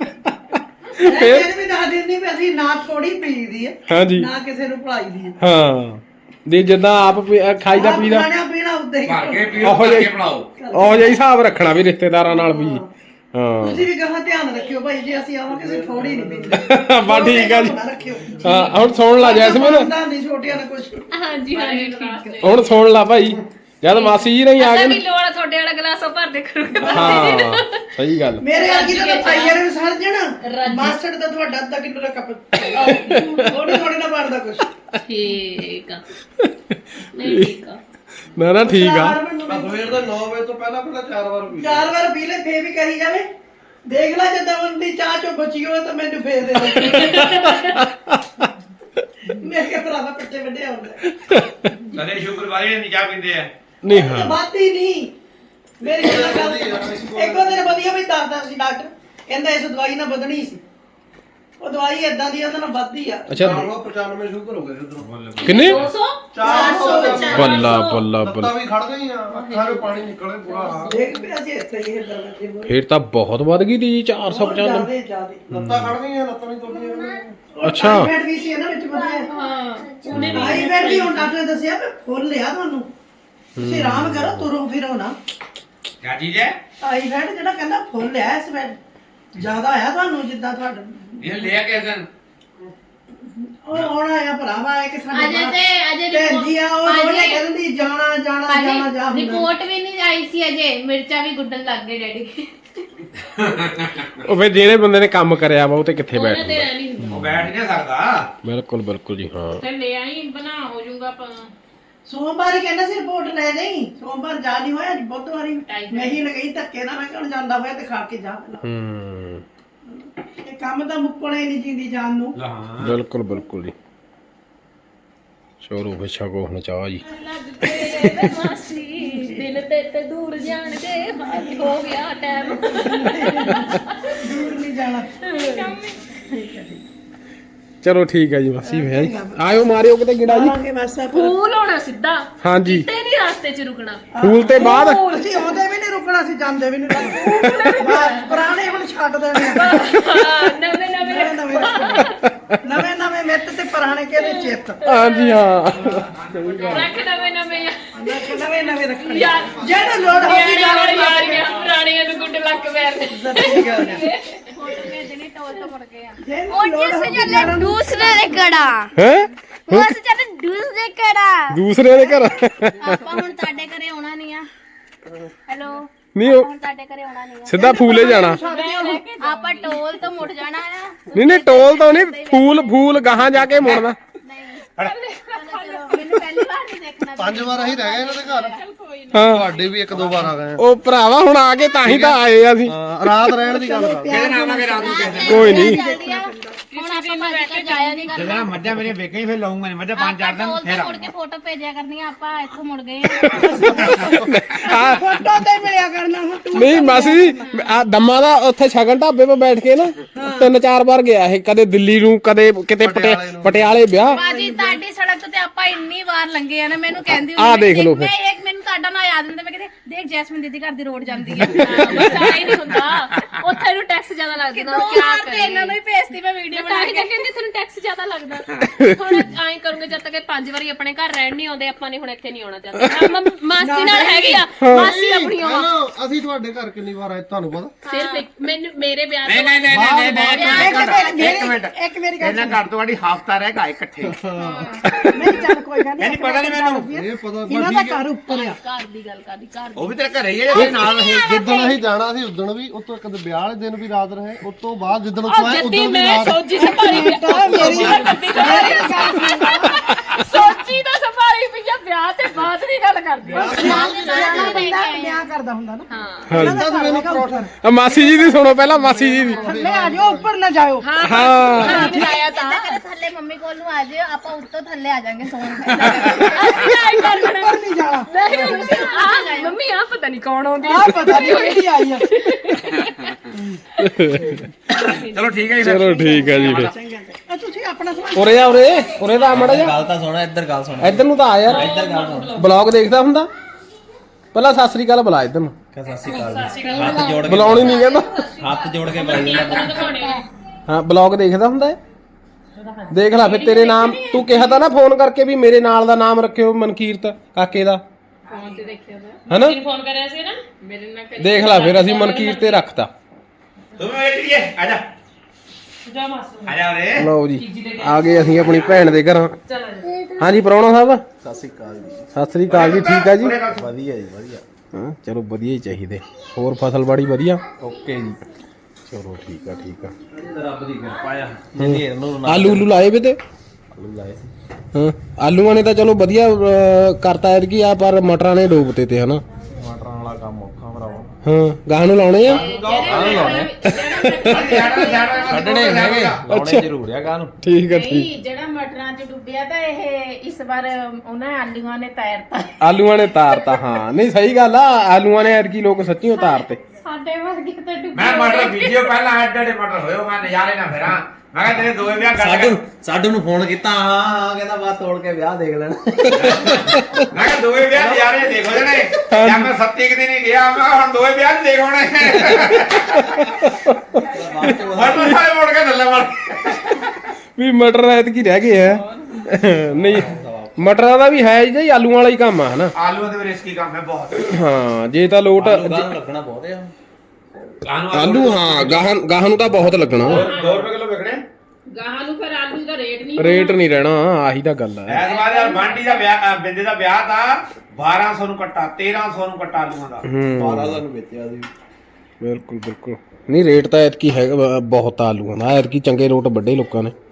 Speaker 7: ਫਿਰ ਵੀ ਦੱਸ ਦਿੰਦੀ ਵੀ ਅਸੀਂ ਨਾ ਥੋੜੀ ਪੀਦੀ ਹੈ
Speaker 1: ਹਾਂਜੀ
Speaker 7: ਨਾ ਕਿਸੇ ਨੂੰ ਭਲਾਈਦੀ ਹੈ
Speaker 1: ਹਾਂ ਦੀ ਜਿੱਦਾਂ ਆਪ ਖਾਈਦਾ ਪੀਦਾ
Speaker 7: ਖਾਣਾ ਪੀਣਾ ਉੱਤੇ ਹੀ
Speaker 3: ਭਰ ਕੇ ਪੀਓ
Speaker 1: ਉਹੋ
Speaker 3: ਭਰ
Speaker 1: ਜਿਹੀ
Speaker 3: ਕੇ ਬਣਾਓ
Speaker 1: ਉਹ ਜਿਹਾ ਹਿਸਾਬ ਰੱਖਣਾ ਵੀ ਰਿਸ਼ਤੇਦਾਰਾਂ ਨਾਲ ਵੀ ਹਾਂ
Speaker 7: ਤੁਸੀਂ ਵੀ ਕਹਾਂ ਧਿਆਨ ਰੱਖਿਓ ਭਾਈ ਜੇ ਅਸੀਂ ਆਵਾਂਗੇ ਅਸੀਂ ਥੋੜੀ ਨਹੀਂ ਪੀਂਦੇ
Speaker 1: ਬਸ ਠੀਕ ਆ ਜੀ
Speaker 7: ਰੱਖਿਓ
Speaker 1: ਹਾਂ ਹੁਣ ਸੁਣ ਲਾ ਜੈਸਮੀਨ
Speaker 7: ਨਹੀਂ ਛੋਟਿਆਂ ਨੇ ਕੁਝ
Speaker 2: ਹਾਂਜੀ ਹਾਂਜੀ ਠੀਕ ਹੈ
Speaker 1: ਹੁਣ ਸੁਣ ਲਾ ਭਾਈ ਜਦ ਮਾਸੀ ਜੀ ਨਹੀਂ ਆ
Speaker 2: ਅੱਧਾ
Speaker 1: ਗਏ
Speaker 2: ਕਿਲੋ ਵਾਲਾ ਤੁਹਾਡੇ ਵਾਲਾ ਗਲਾਸ ਉਹ ਭਰ ਦੇ ਕਰੋਗੇ
Speaker 1: ਹਾਂ ਸਹੀ ਗੱਲ
Speaker 7: ਮੇਰੇ ਵਰਗੀ ਤਾਂ ਪਾਈਏ ਨੇ ਸੜ ਜਾਣਾ ਮਾਸਟਰ ਦਾ ਤੁਹਾਡਾ ਅੱਧਾ ਕਿਲੋ ਦਾ ਕੱਪ ਥੋੜੀ ਥੋੜੀ ਨਾ ਭਰਦਾ ਕੁਝ
Speaker 2: ਠੀਕ ਆ ਨਹੀਂ ਠੀਕ ਆ
Speaker 1: ਨਾ ਨਾ ਠੀਕ ਆ
Speaker 5: ਸਵੇਰ ਦੇ 9 ਵਜੇ ਤੋਂ ਪਹਿਲਾਂ 4 ਵਾਰ ਪੀ
Speaker 7: 4 ਵਾਰ ਪੀ ਲੈ ਫੇਰ ਵੀ ਕਰੀ ਜਾਵੇ ਦੇਖ ਲੈ ਜਦੋਂ ਬੰਦੀ ਚਾਹ ਚੋਂ ਬਚੀ ਹੋਵੇ ਤਾਂ ਮੈਨੂੰ ਫੇਰ ਦੇ ਦੇ ਮੇਰੇ ਭਰਾ ਦਾ ਪੱਟੇ ਵੱਡੇ ਆਉਂਦੇ
Speaker 3: ਕਦੇ ਸ਼ੁਕਰਵਾਰੇ ਨਹੀਂ ਚਾਹ ਪੀਂਦੇ ਆ
Speaker 1: ਨਹੀਂ ਹਾਂ
Speaker 7: ਬਾਤ ਹੀ ਨਹੀਂ ਮੇਰੀ ਗੱਲ ਇੱਕੋ ਦਿਨ ਵਧੀਆ ਵੀ ਦੱਸਦਾ ਸੀ ਡਾਕਟਰ ਕਹਿੰਦਾ ਇਸ ਦਵਾਈ ਨਾਲ ਵਧਣੀ ਸੀ ਉਹ ਦਵਾਈ ਇਦਾਂ ਦੀ ਉਹਦੇ ਨਾਲ ਵੱਧਦੀ ਆ
Speaker 1: ਅੱਛਾ
Speaker 5: 95 ਸ਼ੂਗਰ ਹੋ ਗਏ ਉਧਰੋਂ
Speaker 1: ਕਿੰਨੇ
Speaker 2: 200
Speaker 5: 400
Speaker 1: ਬੱਲਾ ਬੱਲਾ
Speaker 5: ਲੱਤਾਂ
Speaker 1: ਬੱਲਾ
Speaker 5: ਵੀ ਖੜ ਗਈਆਂ ਅੱਖਾਂ 'ਚੋਂ ਪਾਣੀ ਨਿਕਲੇ ਪੂਰਾ ਹਾਲ
Speaker 7: ਦੇਖ ਪਿਆ ਸੀ ਇੱਥੇ ਹੀ ਦਰਵਾਜ਼ੇ ਮੂਹਰੇ
Speaker 1: ਫੇਰ ਤਾਂ ਬਹੁਤ ਵੱਧ ਗਈ ਦੀ 495
Speaker 7: ਜਿਆਦੇ
Speaker 5: ਲੱਤਾਂ ਖੜ ਗਈਆਂ ਲੱਤਾਂ ਨਹੀਂ ਤੁਰਦੀਆਂ
Speaker 1: ਅੱਛਾ।
Speaker 7: ਟਾਈਫਾਇਡ ਵੀ ਸੀ ਇਹਨਾਂ ਵਿੱਚ ਵਧੀਆ
Speaker 2: ਹਾਂ ਉਹਨੇ
Speaker 7: ਟਾਈਫਾਇਡ ਵੀ ਹੁਣ ਡਾਕਟਰ ਨੇ ਦੱਸਿਆ ਵੀ ਫੁੱਲ ਲਿਆ ਤੁਹਾਨੂੰ ਤੁਸੀਂ ਆਰਾਮ ਕਰੋ ਤੁਰੋ ਫਿਰੋ ਨਾ
Speaker 3: ਕਿਆ ਚੀਜ਼ ਹੈ
Speaker 7: ਟਾਈਫਾਇਡ ਜਿਹੜਾ ਕਹਿੰਦਾ ਫੁੱਲ ਲਿਆ ਇਸ ਵੇਲੇ ਜ਼ਿਆਦਾ ਆਇਆ ਤੁਹਾਨੂੰ ਜਿੱਦਾਂ ਤੁਹਾਡਾ
Speaker 3: ਇਹ ਲਿਆ ਕਿਸ ਦਿਨ
Speaker 7: ਉਹ ਆਉਣਾ ਆ ਭਰਾਵਾ ਇੱਕ ਸਾਡੇ
Speaker 6: ਅਜੇ
Speaker 7: ਭੈਣ ਜੀ ਆ ਉਹ ਉਹਨੇ ਕਹਿੰਦੀ ਜਾਣਾ ਜਾਣਾ ਜਾਣਾ ਜਾ ਹੁੰਦਾ।
Speaker 6: ਰਿਪੋਰਟ ਵੀ ਨਹੀਂ ਆਈ ਸੀ ਅਜੇ ਮਿਰਚਾਂ ਵੀ ਗੁੱਡਣ ਲੱਗ ਗਏ ਡੈਡੀ
Speaker 1: ਉਹ ਫੇਰ ਜਿਹੜੇ ਬੰਦੇ ਨੇ ਕੰਮ ਕਰਿਆ ਵਾ ਉਹ ਤੇ ਕਿੱਥੇ
Speaker 2: ਉਹਨਾਂ
Speaker 1: ਬੈਠ
Speaker 2: ਤੇ ਐ ਨਹੀਂ ਹੁੰਦਾ
Speaker 3: ਉਹ ਬੈਠ ਨਹੀਂ ਸਕਦਾ
Speaker 1: ਬਿਲਕੁਲ ਬਿਲਕੁਲ ਜੀ ਹਾਂ
Speaker 2: ਤੇ ਲੈ ਆਈ ਬਣਾ ਹੋ ਜਾਊਗਾ
Speaker 7: ਸੋਮਵਾਰ ਹੀ ਕਹਿੰਦਾ ਸੀ ਰਿਪੋਰਟ ਲੈ ਨਹੀਂ ਸੋਮਵਾਰ ਜਾ ਨਹੀਂ ਹੋਇਆ ਅੱਜ ਬੁੱਧਵਾਰੀ ਮੈਂ ਹੀ ਲਗਈ ਧੱਕੇ ਨਾਲ ਮੈਂ ਕਿਹਾ ਜਾਂਦਾ ਹੋਇਆ ਤੇ ਖਾ ਕੇ ਜਾ
Speaker 1: ਹੂੰ
Speaker 7: ਇਹ ਕੰਮ ਤਾਂ ਮੁੱਕਣਾ ਹੀ ਨਹੀਂ ਜਿੰਦੀ ਜਾਨ ਨੂੰ
Speaker 3: ਹਾਂ
Speaker 1: ਬਿਲਕੁਲ ਬਿਲਕੁਲ ਜੀ ਚੋਰੋ ਵਿਛਾ ਕੋ ਹੁਣ ਚਾਹ ਜੀ
Speaker 2: ਲੱਗਦੇ ਵੇ ਮਾਸੀ ਦਿਲ ਤੇ ਦੂਰ ਜਾਣ ਦੇ ਹਾਈ ਹੋ ਗਿਆ ਟਾਈਮ
Speaker 7: ਦੂਰ ਨਹੀਂ ਜਾਣਾ
Speaker 1: ਚਲੋ ਠੀਕ ਹੈ ਜੀ ਮਾਸੀ ਭਾਈ ਆਇਓ ਮਾਰਿਓ ਕਿਤੇ ਗਿੜਾ ਜੀ
Speaker 7: ਆਵਾਂਗੇ ਬਸ
Speaker 2: ਫੂਲ ਹੋਣਾ ਸਿੱਧਾ
Speaker 1: ਹਾਂਜੀ
Speaker 2: ਤੇ ਨਹੀਂ ਰਾਸਤੇ 'ਚ ਰੁਕਣਾ
Speaker 1: ਫੂਲ ਤੇ ਬਾਅਦ
Speaker 7: ਅਸੀਂ ਆਉਂਦੇ ਵੀ ਨਹੀਂ ਰੁਕਣਾ ਸੀ ਜਾਂਦੇ ਵੀ ਨਹੀਂ ਰੁਕਣਾ ਪੁਰਾਣੇ ਹੁਣ ਛੱਡ ਦੇਣੇ ਆ।
Speaker 2: ਨਵੇਂ ਨਵੇਂ
Speaker 7: ਨਵੇਂ ਨਵੇਂ ਮਿੱਤ ਤੇ ਪੁਰਾਣੇ ਕਿਹਦੇ ਚਿੱਤ
Speaker 1: ਹਾਂਜੀ ਹਾਂ
Speaker 2: ਰੱਖ ਨਵੇਂ ਨਵੇਂ
Speaker 7: ਨਵੇਂ ਨਵੇਂ ਰੱਖਣੇ
Speaker 2: ਯਾਰ
Speaker 7: ਜਿਹੜਾ ਲੋੜ ਹੋਈ
Speaker 2: ਯਾਰ ਯਾਰੀਆਂ ਪੁਰਾਣੀਆਂ ਨੂੰ ਗੁੱਡ ਲੱਕ ਵੈਰ
Speaker 7: ਸੱਚੀ ਗੱਲ ਹੈ
Speaker 4: और जिससे चले दूसरे दे कड़ा
Speaker 1: ਹੈ
Speaker 4: वो से चले दूसरे कड़ा
Speaker 1: ਦੂਸਰੇ ਦੇ ਘਰ
Speaker 4: ਆਪਾਂ ਹੁਣ ਤੁਹਾਡੇ ਘਰੇ ਆਉਣਾ ਨਹੀਂ ਆ ਹੈਲੋ
Speaker 1: ਨਹੀਂ ਉਹ
Speaker 4: ਹੁਣ ਤੁਹਾਡੇ ਘਰੇ ਆਉਣਾ ਨਹੀਂ
Speaker 1: ਸਿੱਧਾ ਫੂਲੇ ਜਾਣਾ
Speaker 4: ਆ ਆਪਾਂ ਟੋਲ ਤੋਂ ਮੁੜ ਜਾਣਾ ਆ
Speaker 1: ਨਹੀਂ ਨਹੀਂ ਟੋਲ ਤੋਂ ਨਹੀਂ ਫੂਲ ਗਾਹਾਂ ਜਾ ਕੇ ਮੁੜਨਾ
Speaker 4: ਚਲੋ ਮੈਨੂੰ ਪਹਿਲੀ ਵਾਰ ਨਹੀਂ ਦੇਖਣਾ
Speaker 5: 5 ਵਾਰ ਅਸੀਂ ਰਹਿ ਗਏ ਇਹਨਾਂ ਦੇ ਘਰ
Speaker 1: ਹਾਂ
Speaker 5: ਤੁਹਾਡੇ ਵੀ 1-2 ਵਾਰ ਆ ਗਏ
Speaker 1: ਉਹ ਭਰਾਵਾ ਹੁਣ ਆ ਕੇ ਤਾਂ ਹੀ ਤਾਂ ਆਏ ਆ ਅਸੀਂ
Speaker 5: ਹਾਂ ਰਾਤ ਰਹਿਣ ਦੀ ਗੱਲ ਕਰ
Speaker 3: ਕਿਹਦੇ ਨਾਲ ਆਵਾਂਗੇ ਰਾਤ ਨੂੰ ਕਿਸੇ ਦਿਨ
Speaker 1: ਕੋਈ ਨਹੀਂ
Speaker 4: ਜਲਦੀ ਆ ਹੁਣ ਆਪਾਂ ਭੱਜ ਕੇ ਜਾਇਆ ਨਹੀਂ ਕਰਨਾ
Speaker 3: ਜਦੋਂ ਮੱਝਾਂ ਮੇਰੇ ਵੇਖੇ ਹੀ ਫਿਰ ਲਾਉਂਗਾ ਨਹੀਂ ਮੱਝਾਂ 5-4 ਦਿਨ
Speaker 4: ਟੋਲ
Speaker 3: ਫਿਰ
Speaker 4: ਤੋਂ ਮੁੜ ਕੇ ਫੋਟੋ ਭੇਜਿਆ ਕਰਨੀਆਂ ਆਪਾਂ ਇੱਥੋਂ ਮੁੜ ਗਏ
Speaker 7: ਫੋਟੋ ਤੇ ਮਿਲਿਆ ਕਰਨਾ ਹੁਣ ਤੂੰ
Speaker 1: ਨਹੀਂ ਮਾਸੀ ਜੀ ਆ ਦਮਾ ਦਾ ਉੱਥੇ ਸ਼ਗਨ ਢਾਬੇ 'ਤੇ ਬੈਠ ਕੇ ਨਾ 3-4 ਵਾਰ ਗਿਆ ਇਹ ਕਦੇ ਦਿੱਲੀ ਨੂੰ ਕਦੇ ਕਿਤੇ ਪਟਿਆਲੇ ਵਿਆਹ
Speaker 6: ਬਾਜੀ ਤੁਹਾਡੀ ਸੜਕ ਤੇ ਆਪਾਂ ਇੰਨੀ ਵਾਰ ਲੰਘੇ ਆ ਨਾ ਮੈਨੂੰ ਕਹਿੰਦੀ
Speaker 1: ਆਹ ਦੇਖ ਲਓ ਫਿਰ।
Speaker 6: ਮੈਂ ਇੱਕ ਮੈਨੂੰ ਤੁਹਾਡਾ ਨਾਂ ਯਾਦ ਹੁੰਦਾ ਮੈਂ ਕਹਿੰਦੀ ਦੇਖ ਜੈਸਮੀਨ ਦੀਦੀ ਘਰ ਦੀ ਰੋਡ ਜਾਂਦੀ ਹੈ
Speaker 2: ਬਸ ਆਈ ਨਹੀਂ ਹੁੰਦਾ ਉੱਥੇ ਨੂੰ ਟੈਕਸ ਜ਼ਿਆਦਾ ਲੱਗਦਾ
Speaker 6: ਦੋ
Speaker 2: ਕਿਆ
Speaker 6: ਵਾਰ ਤੇ ਇਹਨਾਂ ਨੂੰ ਹੀ ਭੇਜਤੀ ਮੈਂ ਵੀਡੀਓ ਬਣਾ
Speaker 2: ਤਾਂ
Speaker 6: ਕੇ
Speaker 2: ਕਹਿੰਦੇ ਤੁਹਾਨੂੰ ਟੈਕਸ ਜ਼ਿਆਦਾ ਲੱਗਦਾ ਹੁਣ ਐਂ ਕਰੂੰਗੇ ਜਦ ਤੱਕ ਇਹ 5 ਵਾਰੀ ਆਪਣੇ ਘਰ ਰਹਿਣ ਨਹੀਂ ਆਉਂਦੇ ਆਪਾਂ ਨੇ ਹੁਣ ਇੱਥੇ ਨਹੀਂ ਆਉਣਾ ਚਾਹੁੰਦੇ ਮਾਸੀ ਨਾਲ ਹੈਗੀ ਆ ਮਾਸੀ ਆਪਣੀ ਆਵਾ
Speaker 5: ਅਸੀਂ ਤੁਹਾਡੇ ਘਰ ਕਿੰਨੀ ਵਾਰ ਆਏ ਤੁਹਾਨੂੰ ਪਤਾ
Speaker 2: ਸਿਰਫ ਮੈਨੂੰ ਮੇਰੇ ਵਿਆਹ
Speaker 3: ਨਹੀਂ
Speaker 2: ਤੋਂ
Speaker 3: ਨਹੀਂ ਨਹੀਂ ਇੱਕ ਮਿੰਟ
Speaker 7: ਇੱਕ ਮੇਰੀ ਗੱਲ
Speaker 3: ਇਹਨਾਂ ਘਰ ਤੋਂ ਵਾਲੀ ਹਫਤਾ ਰਹਿ ਗਏ ਇਕੱਠੇ
Speaker 7: ਨਹੀਂ ਚੱਲ ਕੋਈ ਗੱਲ
Speaker 3: ਨਹੀਂ ਪਤਾ ਨਹੀਂ ਮੈਨੂੰ
Speaker 5: ਇਹ ਪਤਾ
Speaker 7: ਇਹਨਾਂ ਦਾ ਘਰ ਉੱਪਰ ਆ
Speaker 2: ਘਰ ਦੀ ਗੱਲ ਕਰਦੀ ਘਰ
Speaker 3: ਉਹ ਵੀ ਤੇਰੇ ਘਰੇ ਹੀ ਹੈ ਜਿਹੜੇ ਨਾਲ ਰਹੇ
Speaker 5: ਜਿੱਦਣ ਅਸੀਂ ਜਾਣਾ ਸੀ ਉਦੋਂ ਵੀ ਉਤੋਂ ਕਦੇ ਵਿਆਹ ਵਾਲੇ ਦਿਨ ਵੀ ਰਾਤ ਰਹੇ ਉਸ ਤੋਂ ਬਾਅਦ ਜਿੱਦਣ ਉੱਥੋਂ ਆਏ
Speaker 2: ਜੱਦੀ
Speaker 5: ਉਦੋਂ ਵੀ
Speaker 2: ਮੈਂ
Speaker 5: ਰਾਤ
Speaker 2: ਸੋਚੀ ਸੰਭਾਲੀ ਸੋਚੀ ਦਾ ਸੰਭਾਲੀ ਮਾਰੀ ਪਈਆ ਵਿਆਹ ਤੇ ਬਾਅਦ ਦੀ ਗੱਲ ਕਰਦੀ ਆ
Speaker 7: ਵਿਆਹ ਕਰਦਾ ਹੁੰਦਾ ਨਾ
Speaker 1: ਆ ਮਾਸੀ ਜੀ ਦੀ ਸੁਣੋ ਪਹਿਲਾਂ ਮਾਸੀ ਜੀ ਦੀ
Speaker 7: ਥੱਲੇ ਆ ਜਾਓ ਉੱਪਰ ਨਾ ਜਾਓ
Speaker 1: ਹਾਂ
Speaker 2: ਬਣਾਇਆ ਤਾਂ
Speaker 4: ਥੱਲੇ ਮੰਮੀ ਕੋਲ ਨੂੰ ਆ ਜਿਓ ਆਪਾਂ ਉੱਤੋਂ ਥੱਲੇ ਆ ਜਾਾਂਗੇ ਸੌਣ
Speaker 2: ਅਸੀਂ ਆਈ ਕਰਨਾ
Speaker 7: ਉੱਪਰ ਨਹੀਂ ਜਾਣਾ
Speaker 2: ਨਹੀਂ ਮੰਮੀ ਆ ਪਤਾ ਨਹੀਂ ਕੌਣ ਆਉਂਦੀ
Speaker 7: ਆ ਪਤਾ ਨਹੀਂ ਕਿਹੜੀ ਆਈ ਆ
Speaker 3: ਚਲੋ ਠੀਕ ਹੈ ਜੀ
Speaker 1: ਚਲੋ ਠੀਕ ਹੈ ਜੀ ਫਿਰ
Speaker 7: ਇਹ ਤੁਸੀਂ ਆਪਣਾ ਸਮਾਨ
Speaker 1: ਉਰੇ ਆ ਉਰੇ ਦਾ ਮੜਾ ਜਾ
Speaker 3: ਗੱਲ ਤਾਂ ਸੁਣਾ ਇੱਧਰ ਗੱਲ ਸੁਣ
Speaker 1: ਇੱਧਰ ਨੂੰ ਤਾਂ ਆ ਯਾਰ
Speaker 3: ਇੱਧਰ ਗੱਲ ਸੁਣ
Speaker 1: ਬਲੌਗ ਦੇਖਦਾ ਹੁੰਦਾ ਪਹਿਲਾਂ ਸਤਿ ਸ੍ਰੀ ਅਕਾਲ ਬੁਲਾ ਇੱਧਰ ਨੂੰ
Speaker 3: ਸਤਿ ਸ਼੍ਰੀ ਅਕਾਲ ਜੀ ਹੱਥ ਜੋੜ ਕੇ
Speaker 1: ਬੁਲਾਉਣੀ ਨਹੀਂ ਕਹਿੰਦਾ
Speaker 3: ਹੱਥ ਜੋੜ ਕੇ ਬੁਲਾਈ ਜਾਂਦਾ
Speaker 1: ਹਾਂ ਬਲੌਗ ਦੇਖਦਾ ਹੁੰਦਾ ਹੈ ਦੇਖ ਲੈ ਫਿਰ ਤੇਰੇ ਨਾਮ ਤੂੰ ਕਿਹਾ ਤਾਂ ਨਾ ਫੋਨ ਕਰਕੇ ਵੀ ਮੇਰੇ ਨਾਲ ਦਾ ਨਾਮ ਰੱਖਿਓ ਮਨਕੀਰਤ ਕਾਕੇ ਦਾ
Speaker 2: ਫੋਨ ਤੇ ਦੇਖਿਆ
Speaker 1: ਹੈਨਾ
Speaker 2: ਫੋਨ ਕਰਿਆ ਸੀ ਨਾ ਮੇਰੇ ਨਾਲ
Speaker 1: ਦੇਖ ਲੈ ਫਿਰ ਅਸੀਂ ਮਨਕੀਰਤ ਤੇ ਰੱਖਤਾ
Speaker 3: ਤੂੰ ਵੇਟੀਏ ਆ ਜਾ
Speaker 2: ਜਾ ਮਾਸੂ
Speaker 3: ਆ ਜਾ ਰੇ
Speaker 1: ਲਓ ਜੀ ਆ ਗਏ ਅਸੀਂ ਆਪਣੀ ਭੈਣ ਦੇ ਘਰਾਂ
Speaker 2: ਚਲ
Speaker 1: ਹਾਂਜੀ ਪ੍ਰਾਹੁਣਾ ਸਾਹਿਬ
Speaker 5: ਸਤਿ ਸ਼੍ਰੀ ਅਕਾਲ ਜੀ
Speaker 1: ਸਤਿ ਸ੍ਰੀ ਅਕਾਲ ਜੀ ਠੀਕ ਆ ਜੀ
Speaker 5: ਵਧੀਆ ਜੀ ਵਧੀਆ
Speaker 1: ਹਾਂ ਚਲੋ ਵਧੀਆ ਹੀ ਚਾਹੀਦੇ ਹੋਰ ਫਸਲਬਾੜੀ ਵਧੀਆ
Speaker 5: ਓਕੇ ਜੀ
Speaker 1: ਚਲੋ ਠੀਕ ਆ
Speaker 3: ਰੱਬ ਦੀ ਕਿਰਪਾ ਆ ਜਿਹਦੀ ਨੂੰ
Speaker 1: ਆਲੂ ਉਲੂ ਲਾਏ ਵੇ ਤੇ
Speaker 5: ਆਲੂ ਲਾਏ
Speaker 1: ਹਾਂ ਆਲੂਆਂ ਨੇ ਤਾਂ ਚਲੋ ਵਧੀਆ ਕਰਤਾ ਐਤਕੀ ਆ ਪਰ ਮਟਰਾਂ ਨੇ ਡੋਬਤੇ ਤੇ ਹਨਾ
Speaker 5: ਮਟਰਾਂ ਵਾਲਾ ਕੰਮ ਔਖਾ ਭਰਾਵਾ
Speaker 1: ਹਾਂ ਗਾਹ ਨੂੰ ਲਾਉਣੇ ਆ
Speaker 3: ਛੱਡਣੇ ਹੈਗੇ ਲਾਉਣੇ ਜ਼ਰੂਰ ਆ ਗਾਂ ਨੂੰ
Speaker 1: ਠੀਕ ਆ ਠੀਕ
Speaker 6: ਨਹੀਂ ਜਿਹੜਾ ਮਟਰਾਂ 'ਚ ਡੁੱਬਿਆ ਤਾਂ ਇਹ ਇਸ ਵਾਰ ਉਹਨਾਂ ਆਲੂਆਂ ਨੇ ਤੈਰਤਾ
Speaker 1: ਆਲੂਆਂ ਨੇ ਤਾਰਤਾ ਹਾਂ ਨਹੀਂ ਸਹੀ ਗੱਲ ਆ ਆਲੂਆਂ ਨੇ ਐਤਕੀ ਲੋਕ ਸੱਚੀ ਉਤਾਰਤੇ
Speaker 6: ਸਾਡੇ ਵਰਗੇ ਤਾਂ ਡੁੱਬੇ
Speaker 3: ਮੈਂ ਮਟਰ ਵੀਡੀਓ ਪਹਿਲਾਂ ਐਡੇ ਮਟਰ ਹੋਇਓ ਮੈਂ ਨਜ਼ਾਰੇ ਨਾ ਫੇਰਾਂ ਮੈਂ ਕਿਹਾ ਤੇਰੇ ਦੋਵੇਂ ਵਿਆਹ ਕਰ
Speaker 5: ਸਾਡੂ ਨੂੰ ਫੋਨ ਕੀਤਾ ਹਾਂ ਕਹਿੰਦਾ ਬਾਤ ਤੋੜ ਕੇ ਵਿਆਹ ਦੇਖ ਲੈਣਾ
Speaker 3: ਮੈਂ ਕਿਹਾ ਦੋਵੇਂ ਵਿਆਹ ਨਜ਼ਾਰੇ ਦੇਖੋ ਜਣੇ ਜਾਂ ਮੈਂ 7 ਦਿਨ ਹੀ ਗਿਆ ਮੈਂ ਕਿਹਾ ਹੁਣ ਦੋਵੇਂ ਵਿਆਹ ਦੇਖ ਹੋਣੇ ਮਟਰ ਸਾਰੇ ਮੁੜ ਕੇ ਥੱਲੇ ਮੜ
Speaker 1: ਵੀ ਮਟਰ ਐਤਕੀ ਰਹਿ ਗਏ ਆ ਨਹੀਂ ਮਟਰਾਂ ਦਾ ਵੀ ਹੈ ਜੀ ਆਲੂਆਂ ਵਾਲਾ ਹੀ ਕੰਮ ਆ ਹਨਾ
Speaker 3: ਆਲੂਆਂ ਦੇ ਰਿਸਕੀ ਕੰਮ ਹੈ ਬਹੁਤ
Speaker 1: ਹਾਂ ਜੇ ਤਾਂ ਲੋਟ
Speaker 5: ਲੱਗਣਾ ਬਹੁਤ ਆ
Speaker 1: ਆਲੂ ਹਾਂ ਗਾਹਾਂ ਨੂੰ ਤਾਂ ਬਹੁਤ ਲੱਗਣਾ
Speaker 3: 2 ਰੁਪਏ ਕਿਲੋ ਵਿਕਣੇ
Speaker 2: ਗਾਹਾਂ ਨੂੰ ਫਿਰ ਆਲੂ ਦਾ ਰੇਟ ਨਹੀਂ
Speaker 1: ਰੇਟ ਨਹੀਂ ਰਹਿਣਾ ਆਹੀ ਤਾਂ ਗੱਲ ਆ
Speaker 3: ਐਸ ਵਾਰ ਯਾਰ ਬਾਂਟੀ ਦਾ ਵਿਆਹ ਬਿੰਦੇ ਦਾ ਵਿਆਹ ਤਾਂ 1200 ਨੂੰ ਕੱਟਾ 1300 ਨੂੰ ਕੱਟਾ ਆਲੂਆਂ ਦਾ
Speaker 5: 12 ਨੂੰ ਵੇਚਿਆ ਸੀ
Speaker 1: ਬਿਲਕੁਲ ਬਿਲਕੁਲ ਨਹੀਂ ਰੇਟ ਤਾਂ ਐਤਕੀ ਹੈਗਾ ਬਹੁਤ ਆਲੂਆਂ ਦਾ ਐਤਕੀ ਚੰਗੇ ਰੋਟ ਵੱਡੇ ਲੋਕਾਂ ਨੇ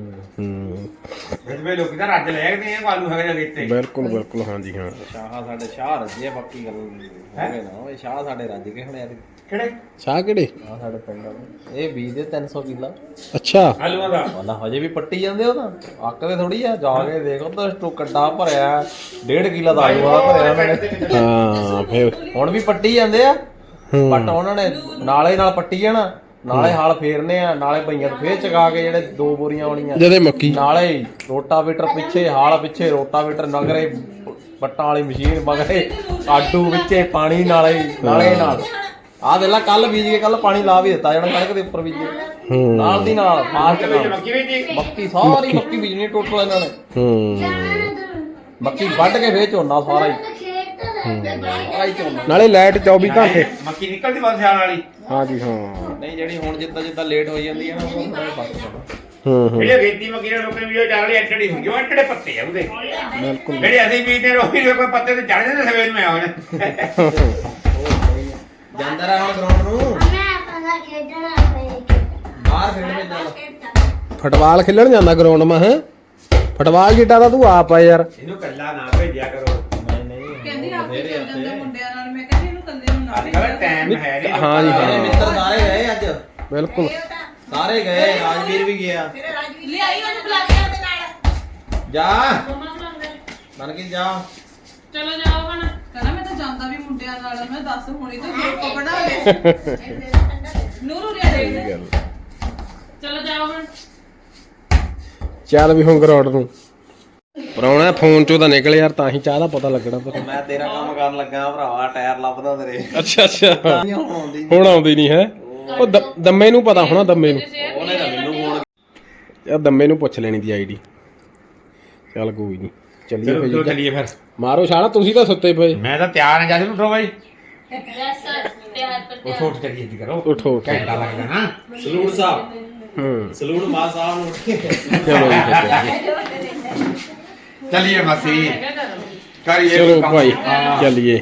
Speaker 3: ਜਿਵੇਂ ਲੋਕੀ ਤਾਂ ਰੱਜ ਲੈ ਗਏ ਆ ਆਲੂ ਹੈਗੇ ਜਗੇ ਇੱਥੇ
Speaker 1: ਬਿਲਕੁਲ ਬਿਲਕੁਲ ਹਾਂਜੀ ਹਾਂ
Speaker 5: ਸ਼ਾਹ ਸਾਡੇ ਸ਼ਾਹ ਰੱਜੇ ਆ ਬਾਕੀ ਗੱਲ ਹੋਵੇ ਨਾ ਇਹ ਸ਼ਾਹ ਸਾਡੇ ਰੱਜ ਕੇ ਹੁਣ ਯਾਰ
Speaker 3: ਕਿਹੜੇ
Speaker 1: ਸ਼ਾਹ ਕਿਹੜੇ
Speaker 5: ਆ ਸਾਡੇ ਪਿੰਡ ਵਾਲੇ ਇਹ 20 ਦੇ 300 ਕਿੱਲਾ
Speaker 1: ਅੱਛਾ
Speaker 3: ਆਲੂਆਂ ਦਾ
Speaker 5: ਵਾਲਾ ਹਜੇ ਵੀ ਪੱਟੀ ਜਾਂਦੇ ਉਹ ਤਾਂ ਅੱਕਦੇ ਥੋੜੀ ਆ ਜਾ ਕੇ ਦੇਖੋ ਤਾਂ ਕੱਟਾ ਭਰਿਆ 1.5 ਕਿੱਲਾ ਦਾ ਆਲੂ ਵਾਲਾ ਭਰਿਆ ਉਹਨਾਂ ਨੇ
Speaker 1: ਹਾਂ ਫਿਰ
Speaker 5: ਹੁਣ ਵੀ ਪੱਟੀ ਜਾਂਦੇ ਆ ਪੱਟ ਉਹਨਾਂ ਨੇ ਨਾਲੇ ਨਾਲ ਪੱਟੀ ਜਾਣਾ ਨਾਲੇ ਹਾਲ ਫੇਰਨੇ ਆ ਨਾਲੇ ਬਈਆਂ ਨੂੰ ਫੇਰ ਚਗਾ ਕੇ ਜਿਹੜੇ 2 ਬੋਰੀਆਂ ਆਉਣੀਆਂ
Speaker 1: ਜਦੇ ਮੱਕੀ
Speaker 5: ਨਾਲੇ ਰੋਟਾਵੇਟਰ ਪਿੱਛੇ ਹਾਲ ਪਿੱਛੇ ਰੋਟਾਵੇਟਰ ਨਗਰੇ ਪੱਟਾਂ ਵਾਲੀ ਮਸ਼ੀਨ ਮਗਰੇ ਆਡੂ ਵਿੱਚੇ ਪਾਣੀ ਨਾਲੇ ਨਾਲ ਆਹ ਦੇਖ ਲੈ ਕੱਲ ਬੀਜ ਕੇ ਕੱਲ ਪਾਣੀ ਲਾ ਵੀ ਦਿੱਤਾ ਜਿਹੜਾ ਕਣਕ ਦੇ ਉੱਪਰ ਬੀਜੇ ਨਾਲ ਦੀ ਨਾਲ ਫਾਸਟ
Speaker 3: ਮੱਕੀ ਵੀ ਜੀ
Speaker 5: ਮੱਕੀ ਸਾਰੀ ਮੱਕੀ ਬੀਜਣੀ ਟੋਟਲ ਇਹਨਾਂ ਨੇ ਮੱਕੀ ਵੱਢ ਕੇ ਫੇਰ ਝੋਨਾ ਸਾਰਾ ਹੀ ਝੋਨਾ
Speaker 1: ਨਾਲੇ ਲਾਈਟ 24 ਘੰਟੇ
Speaker 3: ਮੱਕੀ ਨਿਕਲਦੀ ਬਸ ਸਿਆਲ ਵਾਲੀ
Speaker 1: ਹਾਂਜੀ ਹਾਂ
Speaker 5: ਨਹੀਂ ਜਿਹੜੀ ਹੁਣ ਜਿੱਦਾਂ ਲੇਟ ਹੋਈ ਜਾਂਦੀ ਹੈ ਨਾ ਉਹ ਥੋੜਾ ਫਰਕ ਪੈਂਦਾ
Speaker 3: ਜਿਹੜੇ ਗੇਤੀ ਮੱਕੀ ਦੇ ਲੋਕਾਂ ਵੀਡੀਓ ਚੱਲ ਰਹੀ ਐਟੜੀ ਹੁੰਦੀ ਉਹ ਐਟੜੇ ਪੱਤੇ ਆ ਉਹਦੇ
Speaker 1: ਬਿਲਕੁਲ
Speaker 3: ਜਿਹੜੇ ਅਸੀਂ ਬੀਜਦੇ ਰੋਹੀ ਦੇ ਕੋਈ ਪੱਤੇ ਤੇ ਚੜ ਜਾਂਦੇ ਸਵੇਰ ਨੂੰ ਆਉਣ
Speaker 5: ਜਾਂਦਾ ਰਹਾ ਹੁਣ ਗਰਾਊਂਡ ਨੂੰ
Speaker 4: ਮੈਂ ਆਪਣਾ ਖੇਡਣਾ
Speaker 5: ਬਾਹਰ ਖੇਡਣੇ ਜਾਣਾ
Speaker 1: ਫੁੱਟਬਾਲ ਖੇਲਣ ਜਾਂਦਾ ਗਰਾਊਂਡ ਮਾ ਹੈ ਫੁੱਟਬਾਲ ਜਿੱਟਾ ਤਾਂ ਤੂੰ ਆਪ ਆ ਯਾਰ
Speaker 3: ਇਹਨੂੰ ਕੱਲਾ ਨਾ ਭੇਜਿਆ ਕਰੋ
Speaker 7: ਕਹਿੰਦੀ ਆਪੇ ਚੱਲ ਜਾਂਦਾ ਮੁੰਡਿਆਂ ਨਾਲ ਮੈਂ ਕਹਿੰਦੀ ਇਹਨੂੰ ਕੱਲੇ ਨੂੰ ਨਾ
Speaker 3: ਅੱਜ ਕੱਲ੍ਹ ਟਾਈਮ ਹੈ ਨਹੀਂ
Speaker 1: ਹਾਂ ਜੀ
Speaker 5: ਮੇਰੇ
Speaker 1: ਹਾਂ
Speaker 5: ਮਿੱਤਰ ਸਾਰੇ ਗਏ ਅੱਜ
Speaker 1: ਬਿਲਕੁਲ
Speaker 5: ਸਾਰੇ ਗਏ ਰਾਜਵੀਰ ਵੀ ਗਿਆ
Speaker 7: ਲਿਆਈ ਉਹਨੂੰ ਬੁਲਾ ਕੇ ਉਹਦੇ ਨਾਲ
Speaker 5: ਜਾ ਮਨ ਕੀ ਜਾ
Speaker 2: ਚਲੋ ਜਾਓ ਹੁਣ
Speaker 7: ਕਹਿੰਦਾ ਮੈਂ ਤਾਂ ਜਾਂਦਾ ਵੀ ਮੁੰਡਿਆਂ ਨਾਲ ਮੈਂ ਦੱਸ ਹੁਣੀ ਤਾਂ ਗਰੁੱਪ ਬਣਾ ਲੈ ਨੂਰੂ ਰਿਆ ਦੇ
Speaker 2: ਚਲੋ ਜਾਓ ਹੁਣ
Speaker 1: ਚੱਲ ਵੀ ਹੁਣ ਗਰਾਊਂਡ ਨੂੰ ਪਰਾਉਣਾ ਫੋਨ ਚੋਂ ਤਾਂ ਨਿਕਲ ਯਾਰ ਤਾਂ ਹੀ ਚਾਹ ਦਾ ਪਤਾ ਲੱਗਣਾ ਪਰ
Speaker 5: ਮੈਂ ਤੇਰਾ ਕੰਮ ਕਰਨ ਲੱਗਾ ਭਰਾਵਾ ਟਾਇਰ ਲੱਭਦਾ ਤੇਰੇ
Speaker 1: ਅੱਛਾ ਅੱਛਾ
Speaker 5: ਨਹੀਂ ਹੁਣ ਆਉਂਦੀ
Speaker 1: ਹੁਣ ਆਉਂਦੀ ਨਹੀਂ ਹੈ ਉਹ ਦੰਮੇ ਨੂੰ ਪਤਾ ਹੋਣਾ ਦੰਮੇ ਨੂੰ
Speaker 5: ਉਹਨੇ ਤਾਂ ਮੈਨੂੰ ਫੋਨ
Speaker 1: ਯਾਰ ਦੰਮੇ ਨੂੰ ਪੁੱਛ ਲੈਣੀ ਦੀ ਆਈਡੀ ਚੱਲ ਕੋਈ ਨਹੀਂ ਚੱਲੀਏ
Speaker 3: ਚਲੋ
Speaker 1: ਭਾਈ
Speaker 3: ਚੱਲੀਏ ਫਿਰ
Speaker 1: ਮਾਰੋ ਛਾਲਾ ਤੁਸੀਂ ਤਾਂ ਸੁੱਤੇ ਪਏ
Speaker 3: ਮੈਂ ਤਾਂ ਤਿਆਰ ਹਾਂ ਜਦ ਨੂੰ ਉਠੋ ਬਾਈ
Speaker 2: ਯੈਸ ਸਰ ਤਿਆਰ ਪਰ
Speaker 3: ਉਠੋ ਉੱਠ ਚੱਲੀਏ ਜੀ ਕਰੋ
Speaker 1: ਉਠੋ
Speaker 3: ਘੰਟਾ ਲੱਗਦਾ ਨਾ
Speaker 5: ਸਲੂਟ ਸਾਹਿਬ ਸਲੂਟ ਮਾ ਸਾਹਿਬ ਨੂੰ
Speaker 1: ਚਲੋ ਜੀ ਫਿਰ
Speaker 3: ਚੱਲੀਏ ਮਾਸੀ ਕਰੀਏ
Speaker 1: ਚਲੋ
Speaker 3: ਕੰਮ।
Speaker 1: ਭਾਈ
Speaker 3: ਹਾਂ।
Speaker 1: ਚੱਲੀਏ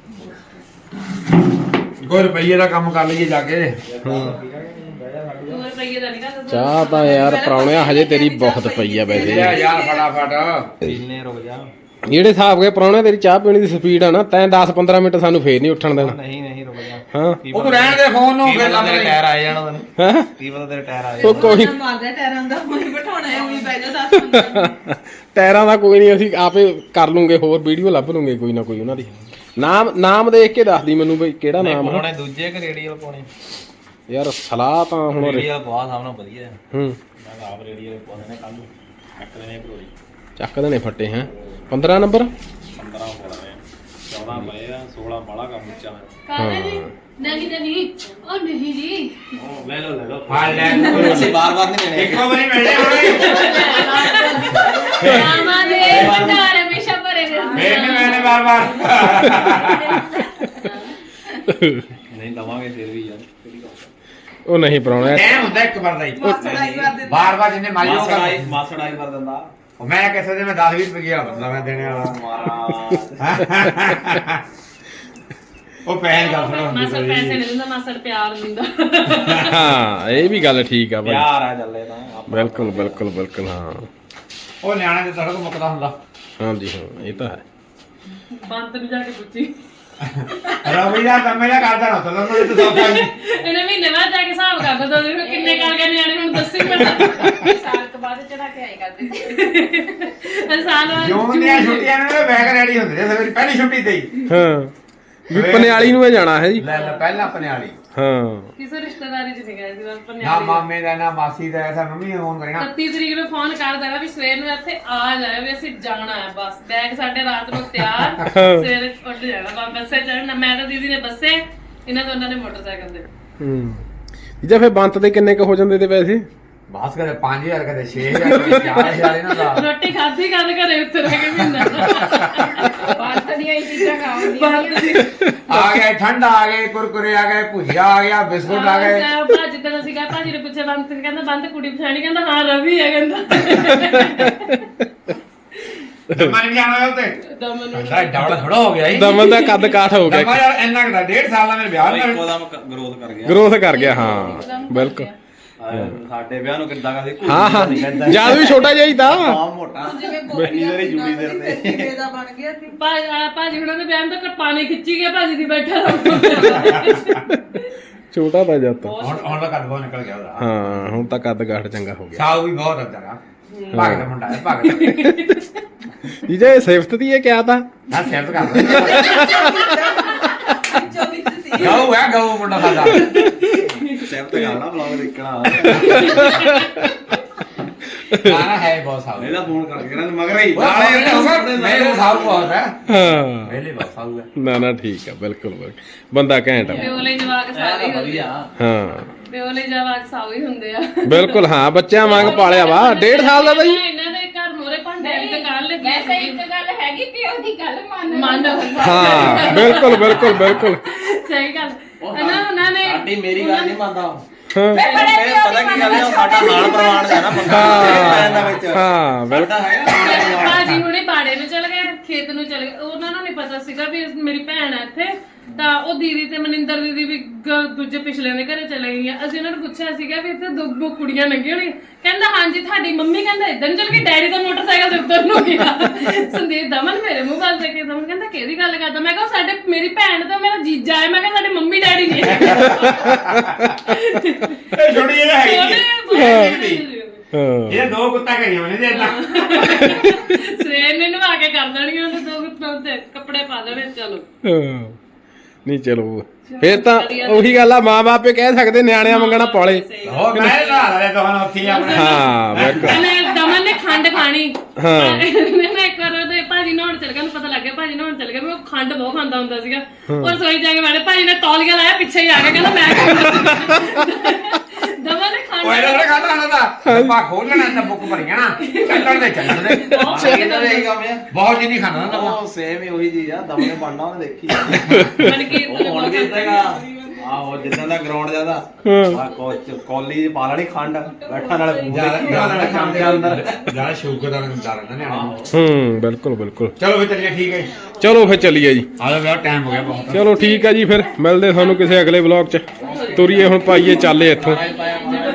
Speaker 3: ਕੋਈ ਰੁਪਈਏ ਦਾ ਕੰਮ ਕਰ ਲਈਏ ਜਾ ਕੇ
Speaker 6: ਰੁਪਏ ਦਾ ਨਹੀਂ ਕਰਦਾ
Speaker 1: ਚਾਹ ਤਾਂ ਯਾਰ ਪ੍ਰਾਹੁਣਿਆ ਹਜੇ ਤੇਰੀ ਬਹੁਤ ਪਈ ਆ ਵੈਸੇ
Speaker 3: ਯਾਰ ਫਟਾਫਟ
Speaker 5: ਪੀਨੇ ਰੁਕ ਜਾ
Speaker 1: ਜਿਹੜੇ ਹਿਸਾਬ ਕੇ ਪ੍ਰਾਹੁਣਿਆ ਤੇਰੀ ਚਾਹ ਪੀਣੀ ਦੀ ਸਪੀਡ ਆ ਨਾ ਤੈਂ 10-15 ਮਿੰਟ ਸਾਨੂੰ ਫੇਰ ਨਹੀਂ ਉੱਠਣ ਦੇਣਾ
Speaker 5: ਨਹੀਂ ਨਹੀਂ ਰੁਕ ਜਾ
Speaker 1: ਹਾਂ
Speaker 3: ਉਹ ਤੂੰ ਰਹਿਣ ਦੇ ਫੋਨ ਨੂੰ
Speaker 5: ਕੀ
Speaker 3: ਫਿਰ
Speaker 5: ਪਤਾ
Speaker 3: ਲੱਗ
Speaker 5: ਤੇਰੇ ਟਾਇਰ ਆਏ ਜਾਣਾ ਤੈਨੂੰ
Speaker 1: ਹੈਂ?
Speaker 5: ਕੀ ਪਤਾ ਤੇਰੇ ਟਾਇਰ ਆਏ
Speaker 1: ਉਹ ਕੋਈ
Speaker 7: ਮਾਰਦਾ ਟਾਇਰਾਂ ਦਾ ਉਹੀ ਬਿਠਾਉਣਾ ਹੈ ਉਹੀ ਬਹਿ ਜਾ 10
Speaker 1: ਟਾਇਰਾਂ ਦਾ ਕੋਈ ਨਹੀਂ ਅਸੀਂ ਆਪੇ ਕਰ ਲੂੰਗੇ ਹੋਰ ਵੀਡੀਓ ਲੱਭ ਲੂੰਗੇ ਕੋਈ ਨਾ ਕੋਈ ਉਹਨਾਂ ਦੀ ਨਾਮ ਦੇਖ ਕੇ ਦੱਸਦੀ ਮੈਨੂੰ ਬਈ ਕਿਹੜਾ ਨਾਮ ਆ
Speaker 5: ਪਾਉਣੇ ਦੂਜੇ ਕਿ ਰੇਡੀਅਲ ਪਾਉਣੇ
Speaker 1: ਯਾਰ ਸਲਾਹ ਤਾਂ ਹੁਣ
Speaker 5: ਰੇਡੀਅਲ ਪਵਾ ਸਾਹਮਣੇ ਵਧੀਆ ਹੈ।
Speaker 1: ਹੂੰ
Speaker 5: ਮੈਂ ਆਪ ਰੇਡੀਅਲ ਪਾਉਣੇ ਨੇ ਕੱਲ ਨੂੰ ਚੱਕ ਦੇਣੇ ਭਰੋਈ
Speaker 1: ਚੱਕ ਦੇਣੇ ਫੱਟੇ ਹੈ 15 ਨੰਬਰ
Speaker 5: 15 ਪਾਉਣੇ 14 ਪਏ ਆ 16 ਬਾਲਾ ਕੰਮ ਉੱਚਾ ਹੈ
Speaker 6: ਕਾਹਦੇ ਜੀ ਨਹੀਂ ਉਹ ਨਹੀਂ ਜੀ
Speaker 5: ਉਹ ਲੈ ਲਓ
Speaker 3: ਹਾਂ ਲੈ
Speaker 5: ਅਸੀਂ ਬਾਰ-ਬਾਰ ਨਹੀਂ ਲੈਣੇ
Speaker 3: ਇੱਕੋ ਵਾਰੀ ਮਿਲਣੇ ਹੋਣੇ
Speaker 6: ਮਾਮਾ ਦੇ ਭੰਡਾਰ ਹਮੇਸ਼ਾ ਭਰੇ ਰਹਿੰਦੇ
Speaker 3: ਮੇਰੇ ਮੈਨੇ ਬਾਰ-ਬਾਰ
Speaker 5: ਨਹੀਂ ਦਵਾਂਗੇ ਫਿਰ ਵੀ ਯਾਰ
Speaker 1: ਉਹ ਨਹੀਂ ਪ੍ਰਾਹੁਣਿਆ
Speaker 3: ਟਾਈਮ ਹੁੰਦਾ ਇੱਕ ਵਾਰ ਦਾ ਹੀ ਬਾਰ-ਬਾਰ ਜਿੰਨੇ ਮਾਰੀ ਹੋਗਾ
Speaker 5: ਮਾਸੜ ਆਈ ਕਰ ਦਿੰਦਾ
Speaker 3: ਮੈਂ ਕਿਸੇ ਦੇ ਮੈਂ 10-20 ਰੁਪਏ ਬੰਦਾ ਮੈਂ ਦੇਣੇ ਵਾਲਾ
Speaker 5: ਮਾਰਾ
Speaker 3: ਉਹ ਪੈਨ ਗੱਲ ਸੁਣਾ
Speaker 6: ਮਾਸੜ ਪੈਸੇ ਨਹੀਂ ਦਿੰਦਾ ਮਾਸੜ ਪਿਆਰ ਦਿੰਦਾ
Speaker 1: ਹਾਂ ਇਹ ਵੀ ਗੱਲ ਠੀਕ ਆ ਬਾਈ
Speaker 5: ਪਿਆਰ ਆ ਚੱਲੇ ਤਾਂ
Speaker 1: ਬਿਲਕੁਲ ਹਾਂ
Speaker 3: ਉਹ ਨਿਆਣੇ ਦੇ ਤੜਕ ਮੁੱਕਦਾ ਹੁੰਦਾ
Speaker 1: ਹਾਂਜੀ ਹਾਂ ਇਹ ਤਾਂ ਹੈ
Speaker 6: ਬੰਤ ਨੂੰ ਜਾ ਕੇ ਪੁੱਛੀ
Speaker 3: ਰਵੀ ਦਾ ਕੰਮ ਇਹਦਾ ਕਰਦਾ ਨਾ ਤਦੋਂ ਨੂੰ ਤੂੰ ਸੌਖਾ ਨਹੀਂ
Speaker 6: ਇਹਨੇ ਮਹੀਨੇ ਬਾਅਦ ਜਾ ਕੇ ਹਿਸਾਬ ਕਰ ਦੋ ਦੇਖੋ ਕਿੰਨੇ ਕਰ ਗਏ ਨਿਆਣੇ ਹੁਣ ਦੱਸੀ ਮੈਨੂੰ ਸਾਲ ਤੋਂ ਬਾਅਦ ਚੜਾ ਕੇ ਆਈ ਕਰਦੇ ਸਾਲ ਬਾਅਦ
Speaker 3: ਜੂਨ ਦੀਆਂ ਛੁੱਟੀਆਂ ਨੇ ਬੈਗ ਰੈਡੀ ਹੁੰਦੇ ਨੇ ਸਵੇਰੇ ਪਹਿਲੀ ਛੁੱਟੀ ਤੇ ਹੀ
Speaker 1: ਹਾਂ ਵੀ ਪਨਿਆਲੀ ਨੂੰ ਇਹ ਜਾਣਾ ਹੈ ਜੀ
Speaker 3: ਲੈ ਪਹਿਲਾਂ ਆਪਣੇ ਵਾਲੀ
Speaker 1: ਹਾਂ
Speaker 6: ਕਿਸੇ ਰਿਸ਼ਤੇਦਾਰੀ ਚ ਨਹੀਂ ਗਏ ਸੀ ਬਸ
Speaker 3: ਨਾ ਮਾਮੇ ਦਾ ਨਾ ਮਾਸੀ ਦਾ ਐਸਾ ਮੰਮੀ ਨੂੰ ਫੋਨ ਕਰੇਗਾ
Speaker 6: 31 ਤਰੀਕ ਨੂੰ ਫੋਨ ਕਰ ਦੇਣਾ ਵੀ ਸਵੇਰ ਨੂੰ ਇੱਥੇ ਆ ਜਾਇਓ ਵੀ ਅਸੀਂ ਜਾਣਾ ਹੈ ਬਸ ਬੈਗ ਸਾਡੇ ਰਾਤ ਨੂੰ ਤਿਆਰ ਸਵੇਰੇ ਉੱਠ ਜਾਣਾ ਬਸ ਬੱਸੇ ਚੜਨਾ ਮੈਂ ਤਾਂ ਦੀਦੀ ਨੇ ਬੱਸੇ ਇਹਨਾਂ ਦੋਨਾਂ ਨੇ ਮੋਟਰਸਾਈਕਲ ਤੇ
Speaker 1: ਹੂੰ ਜੇ ਫਿਰ ਬੰਤ ਦੇ ਕਿੰਨੇ ਕ ਹੋ ਜਾਂਦੇ ਤੇ ਪੈਸੇ
Speaker 3: ਬਾਸ ਕਦੇ 5000 ਕਦੇ 6000 ਕਦੇ 4000 ਇਹਨਾਂ ਦਾ
Speaker 6: ਰੋਟੀ ਖਾਧੀ ਕਦ ਘਰੇ ਉੱਤਰ ਕੇ ਮਹੀਨਾ ਬਾਤ ਦੀਆਂ ਹੀ ਚੀਜ਼ਾਂ ਖਾਉਂਦੀਆਂ
Speaker 3: ਆ ਗਏ ਠੰਡ ਆ ਗਏ ਕੁਰਕੁਰੇ ਆ ਗਏ ਭੁਜੀਆ ਆ ਗਿਆ ਬਿਸਕੁਟ ਆ ਗਏ
Speaker 6: ਭਾਜੀ ਤੇ ਅਸੀਂ ਕਹਾਂ ਭਾਜੀ ਨੇ ਪੁੱਛਿਆ ਬੰਦ ਕਹਿੰਦਾ ਬੰਦ ਕੁੜੀ ਪਛਾਣੀ ਕਹਿੰਦਾ ਹਾਂ ਰਵੀ ਹੈ ਕਹਿੰਦਾ
Speaker 3: ਦਮਨ ਵੀ ਜਾਣਾ ਉੱਤੇ
Speaker 6: ਦਮਨ ਨੂੰ
Speaker 3: ਸਾਡਾ ਡਬਲ ਥੋੜਾ ਹੋ ਗਿਆ ਹੀ
Speaker 1: ਦਮਨ ਦਾ ਕੱਦ ਕਾਠ ਹੋ
Speaker 3: ਦਮਾ
Speaker 1: ਗਿਆ
Speaker 3: ਯਾਰ ਇੰਨਾ ਕਿਦਾ 1.5 ਸਾਲ ਦਾ ਮੇਰੇ ਵਿਆਹ ਨਾਲ
Speaker 5: ਇੱਕੋ ਦਮ ਗਰੋਥ ਕਰ ਗਿਆ
Speaker 1: ਗਰੋਥ ਕਰ ਗਿਆ ਹਾਂ ਬਿਲਕੁਲ
Speaker 5: ਸਾਡੇ ਵਿਆਹ ਨੂੰ ਕਿੱਦਾਂ ਕਰਦੇ
Speaker 1: ਹਾਂ ਜਦ ਵੀ ਛੋਟਾ ਜਿਹਾ ਹੀ ਤਾਂ
Speaker 5: ਹਾਂ ਮੋਟਾ ਇੰਨੀ ਦੇਰ ਹੀ ਜੁੜੀ ਦੇਰ ਤੇ
Speaker 7: ਇਹਦਾ ਬਣ ਗਿਆ ਸੀ
Speaker 6: ਭਾਜੀ ਹੁਣਾਂ ਦੇ ਵਿਆਹ ਨੂੰ ਤਾਂ ਪਾਣੀ ਖਿੱਚੀ ਗਿਆ ਭਾਜੀ ਦੀ ਬੈਠਾ
Speaker 1: ਛੋਟਾ ਤਾਂ ਜਦ ਤਾਂ
Speaker 3: ਹੁਣ ਦਾ ਕੱਦ ਬਹੁਤ ਨਿਕਲ ਗਿਆ ਉਹਦਾ
Speaker 1: ਹਾਂ ਹੁਣ ਤਾਂ ਕੱਦ ਕਾਠ ਚੰਗਾ ਹੋ ਗਿਆ
Speaker 3: ਸਾਊ ਵੀ ਬਹੁਤ ਅੰਦਰ ਆ ਭਗਤ ਦਾ ਮੁੰਡਾ ਹੈ ਭਗਤ
Speaker 1: ਜੀ ਜੇ ਸਿਫਤ ਦੀ ਇਹ ਕਿਹਾ ਤਾਂ
Speaker 3: ਨਾ ਸਿਫਤ ਕਰ ਗਾਉ ਹੈ ਗਾਉ ਮੁੰਡਾ ਸਾਡਾ
Speaker 5: ਸੈਫਟ ਕਰਨਾ ਬਲੌਗ ਦੇਖਣਾ
Speaker 3: ਨਾ ਹੈ ਬਹੁਤ ਸਾਊ
Speaker 5: ਇਹਦਾ ਫੋਨ ਕਰਕੇ ਕਹਿੰਦਾ ਮਗਰ ਹੀ
Speaker 3: ਮੇਰੇ ਸਾਊ ਬਹੁਤ ਹੈ
Speaker 1: ਹਾਂ
Speaker 3: ਪਹਿਲੇ ਬਹੁਤ ਸਾਊ ਹੈ
Speaker 1: ਨਾ ਠੀਕ ਆ ਬਿਲਕੁਲ ਬੰਦਾ ਘੈਂਟ ਆ
Speaker 6: ਪਿਓਲੇ ਜਵਾਕ ਸਾਰੇ ਹੀ ਹੁੰਦੇ
Speaker 5: ਵਧੀਆ
Speaker 1: ਹਾਂ
Speaker 6: ਪਿਓਲੇ ਜਵਾਕ ਸਾਉ ਹੀ ਹੁੰਦੇ ਆ
Speaker 1: ਬਿਲਕੁਲ ਹਾਂ ਬੱਚਿਆਂ ਵਾਂਗ ਪਾਲਿਆ ਵਾ 1.5 ਸਾਲ ਦਾ ਬਈ
Speaker 6: ਇਹਨਾਂ ਦੇ ਘਰ ਮੋਰੇ ਭਾਂਡੇ ਵਾਲੀ ਦੁਕਾਨ ਲੱਗੀ
Speaker 4: ਵੈਸੇ ਇੱਕ ਗੱਲ ਹੈਗੀ ਪਿਓ ਦੀ ਗੱਲ
Speaker 6: ਮੰਨ
Speaker 1: ਹਾਂ ਬਿਲਕੁਲ
Speaker 6: ਸਹੀ ਗੱਲ ਉਹਨਾਂ ਨੇ
Speaker 5: ਸਾਡੀ ਮੇਰੀ ਗੱਲ ਨਹੀਂ ਮੰਨਦਾ
Speaker 1: ਹਾਂ
Speaker 5: ਫਿਰ ਪਤਾ ਕੀ ਗੱਲ ਹੈ ਉਹ ਸਾਡਾ ਹਾਲ ਪ੍ਰਵਾਨ ਦਾ ਨਾ ਬੰਦਾ ਵਿੱਚ
Speaker 1: ਹਾਂ ਬਿਲਕੁਲ
Speaker 5: ਸਾਡਾ ਹੈਗਾ
Speaker 6: ਭਾਜੀ ਹੁਣੇ ਬਾੜੇ ਨੂੰ ਚਲ ਗਏ ਖੇਤ ਨੂੰ ਚਲ ਗਏ ਉਹਨਾਂ ਨੂੰ ਨਹੀਂ ਪਤਾ ਸੀਗਾ ਵੀ ਮੇਰੀ ਭੈਣ ਹੈ ਇੱਥੇ ਤਾਂ ਉਹ ਦੀਦੀ ਤੇ ਮਨਿੰਦਰ ਦੀਦੀ ਵੀ ਦੂਜੇ ਪਿਛਲੇ ਦੇ ਘਰੇ ਚਲੇ ਗਈਆਂ ਅਸੀਂ ਉਹਨਾਂ ਨੂੰ ਪੁੱਛਿਆ ਸੀਗਾ ਵੀ ਇੱਥੇ ਦੋ ਕੁੜੀਆਂ ਲੱਗੀਆਂ ਹੋਣੀ ਕਹਿੰਦਾ ਹਾਂਜੀ ਤੁਹਾਡੀ ਮੰਮੀ ਕਹਿੰਦਾ ਇਦਾਂ ਨੂੰ ਚਲ ਗਈ ਡੈਡੀ ਦਾ ਮੋਟਰਸਾਈਕਲ ਦੇ ਉੱਤਰ ਨੂੰ ਗਿਆ ਸੰਦੀਪ ਦਮਨ ਮੇਰੇ ਮੂੰਹ ਵੱਲ ਦੇਖ ਕੇ ਦਮਨ ਕਹਿੰਦਾ ਕਿਹਦੀ ਗੱਲ ਕਰਦਾ ਮੈਂ ਕਿਹਾ ਸਾਡੇ ਮੇਰੀ ਭੈਣ ਤੇ ਮੇਰਾ ਜੀਜਾ ਹੈ ਮੈਂ ਕਿਹਾ ਸਾਡੇ ਮੰਮੀ ਡੈਡੀ ਨਹੀਂ
Speaker 3: ਇਹ ਛੋਟੀ ਜਿਹੀ ਹੈਗੀ
Speaker 1: ਹਾਂ
Speaker 3: ਇਹ ਦੋ ਕੁੱਤਾ ਕਰੀਆਂ ਮੈਨੇ ਦੇ ਇਦਾਂ
Speaker 6: ਸਵੇਰ ਨੇ ਨਵਾ ਕੇ ਕਰ ਦੇਣਗੇ ਉਹਨੇ ਦੋ ਕੁੱਤਾਂ ਤੇ ਕੱਪੜੇ ਪਾ ਦੇਣੇ ਚਲੋ
Speaker 1: ਹਾਂ ਨਹੀਂ ਚਲੋ ਫੇਰ ਤਾਂ ਉਹੀ ਗੱਲ ਆ ਮਾਂ ਬਾਪੇ ਕਹਿ ਸਕਦੇ ਨਿਆਣਿਆਂ ਮੰਗਣਾ ਪਾਲੇ
Speaker 3: ਹੋ ਮੈਂ ਨਾ ਲੈ ਤੁਹਾਨੂੰ ਉੱਥੇ ਆਪਣੇ
Speaker 1: ਹਾਂ ਬਿਲਕੁਲ
Speaker 6: ਇਹਨੇ ਦਮਨ ਨੇ ਖੰਡ ਖਾਣੀ
Speaker 1: ਹਾਂ
Speaker 6: ਇਹਨੇ ਇੱਕ ਵਾਰ ਉਹਦੇ ਭਾਜੀ ਨਹਾਉਣ ਚਲ ਗਿਆ, ਉਹਨੂੰ ਪਤਾ ਲੱਗ ਗਿਆ ਭਾਜੀ ਨਹਾਉਣ ਚਲ ਗਿਆ, ਵੀ ਉਹ ਖੰਡ ਬਹੁਤ ਖਾਂਦਾ ਹੁੰਦਾ ਸੀਗਾ। ਔਰ ਰਸੋਈ ਜਾ ਕੇ ਬੈਠੇ, ਭਾਜੀ ਨੇ ਤੌਲੀਆ ਲਾਇਆ ਪਿੱਛੇ ਹੀ ਆ ਕੇ ਕਹਿੰਦਾ ਮੈਂ ਦਮਨ ਨੇ ਖੰਡ
Speaker 3: ਉਹ ਇਹਦਾ ਖਾਦਾ ਨਾ ਦਾ ਪਾ ਖੋਲ ਲੈਣਾ ਤਾਂ ਬੁੱਕ ਭਰੀਆਂ ਨਾ ਚੱਲਣ ਦੇ
Speaker 5: ਇਹਦਾ ਵੀ ਇਹੀ ਕੰਮ ਆ।
Speaker 3: ਬਹੁਤ ਜਿੰਨੀ ਖਾਣਾ ਨਾ
Speaker 5: ਉਹ ਸੇਮ ਹੀ ਉਹੀ ਚੀਜ਼ ਆ, ਦਮਨੇ ਬਣਨਾ ਉਹਨੇ ਦੇਖੀ
Speaker 6: ਬਣ ਕੇ
Speaker 5: ਉਹ ਹੁਣ ਵੀ ਇਦਾਂ ਆਹੋ ਜਿੱਦਾਂ ਦਾ ਗਰਾਊਂਡ ਜਿਆਦਾ ਆ ਕੋਲੀ ਪਾ ਲੈਣੀ ਖੰਡ ਬੈਠਾ ਨਾਲ
Speaker 3: ਜਿਆਦਾ ਖਾਂਦੇ ਅੰਦਰ ਜਿਆਦਾ ਸ਼ੂਗਰ ਦਾ ਹੁੰਦਾ ਰਹਿੰਦਾ ਨਿਆਣੇ
Speaker 1: ਬਿਲਕੁਲ ਬਿਲਕੁਲ।
Speaker 3: ਚਲੋ ਫਿਰ ਚੱਲੀਏ, ਠੀਕ ਹੈ
Speaker 1: ਚਲੋ ਫਿਰ ਚੱਲੀਏ ਜੀ।
Speaker 3: ਆ ਜਾ ਟਾਈਮ ਹੋ ਗਿਆ ਬਹੁਤ।
Speaker 1: ਚਲੋ ਠੀਕ ਹੈ ਜੀ, ਫਿਰ ਮਿਲਦੇ ਤੁਹਾਨੂੰ ਕਿਸੇ ਅਗਲੇ ਵਲੌਗ 'ਚ। ਤੁਰੀਏ ਹੁਣ, ਪਾਈਏ ਚਾਲੇ ਇੱਥੋਂ।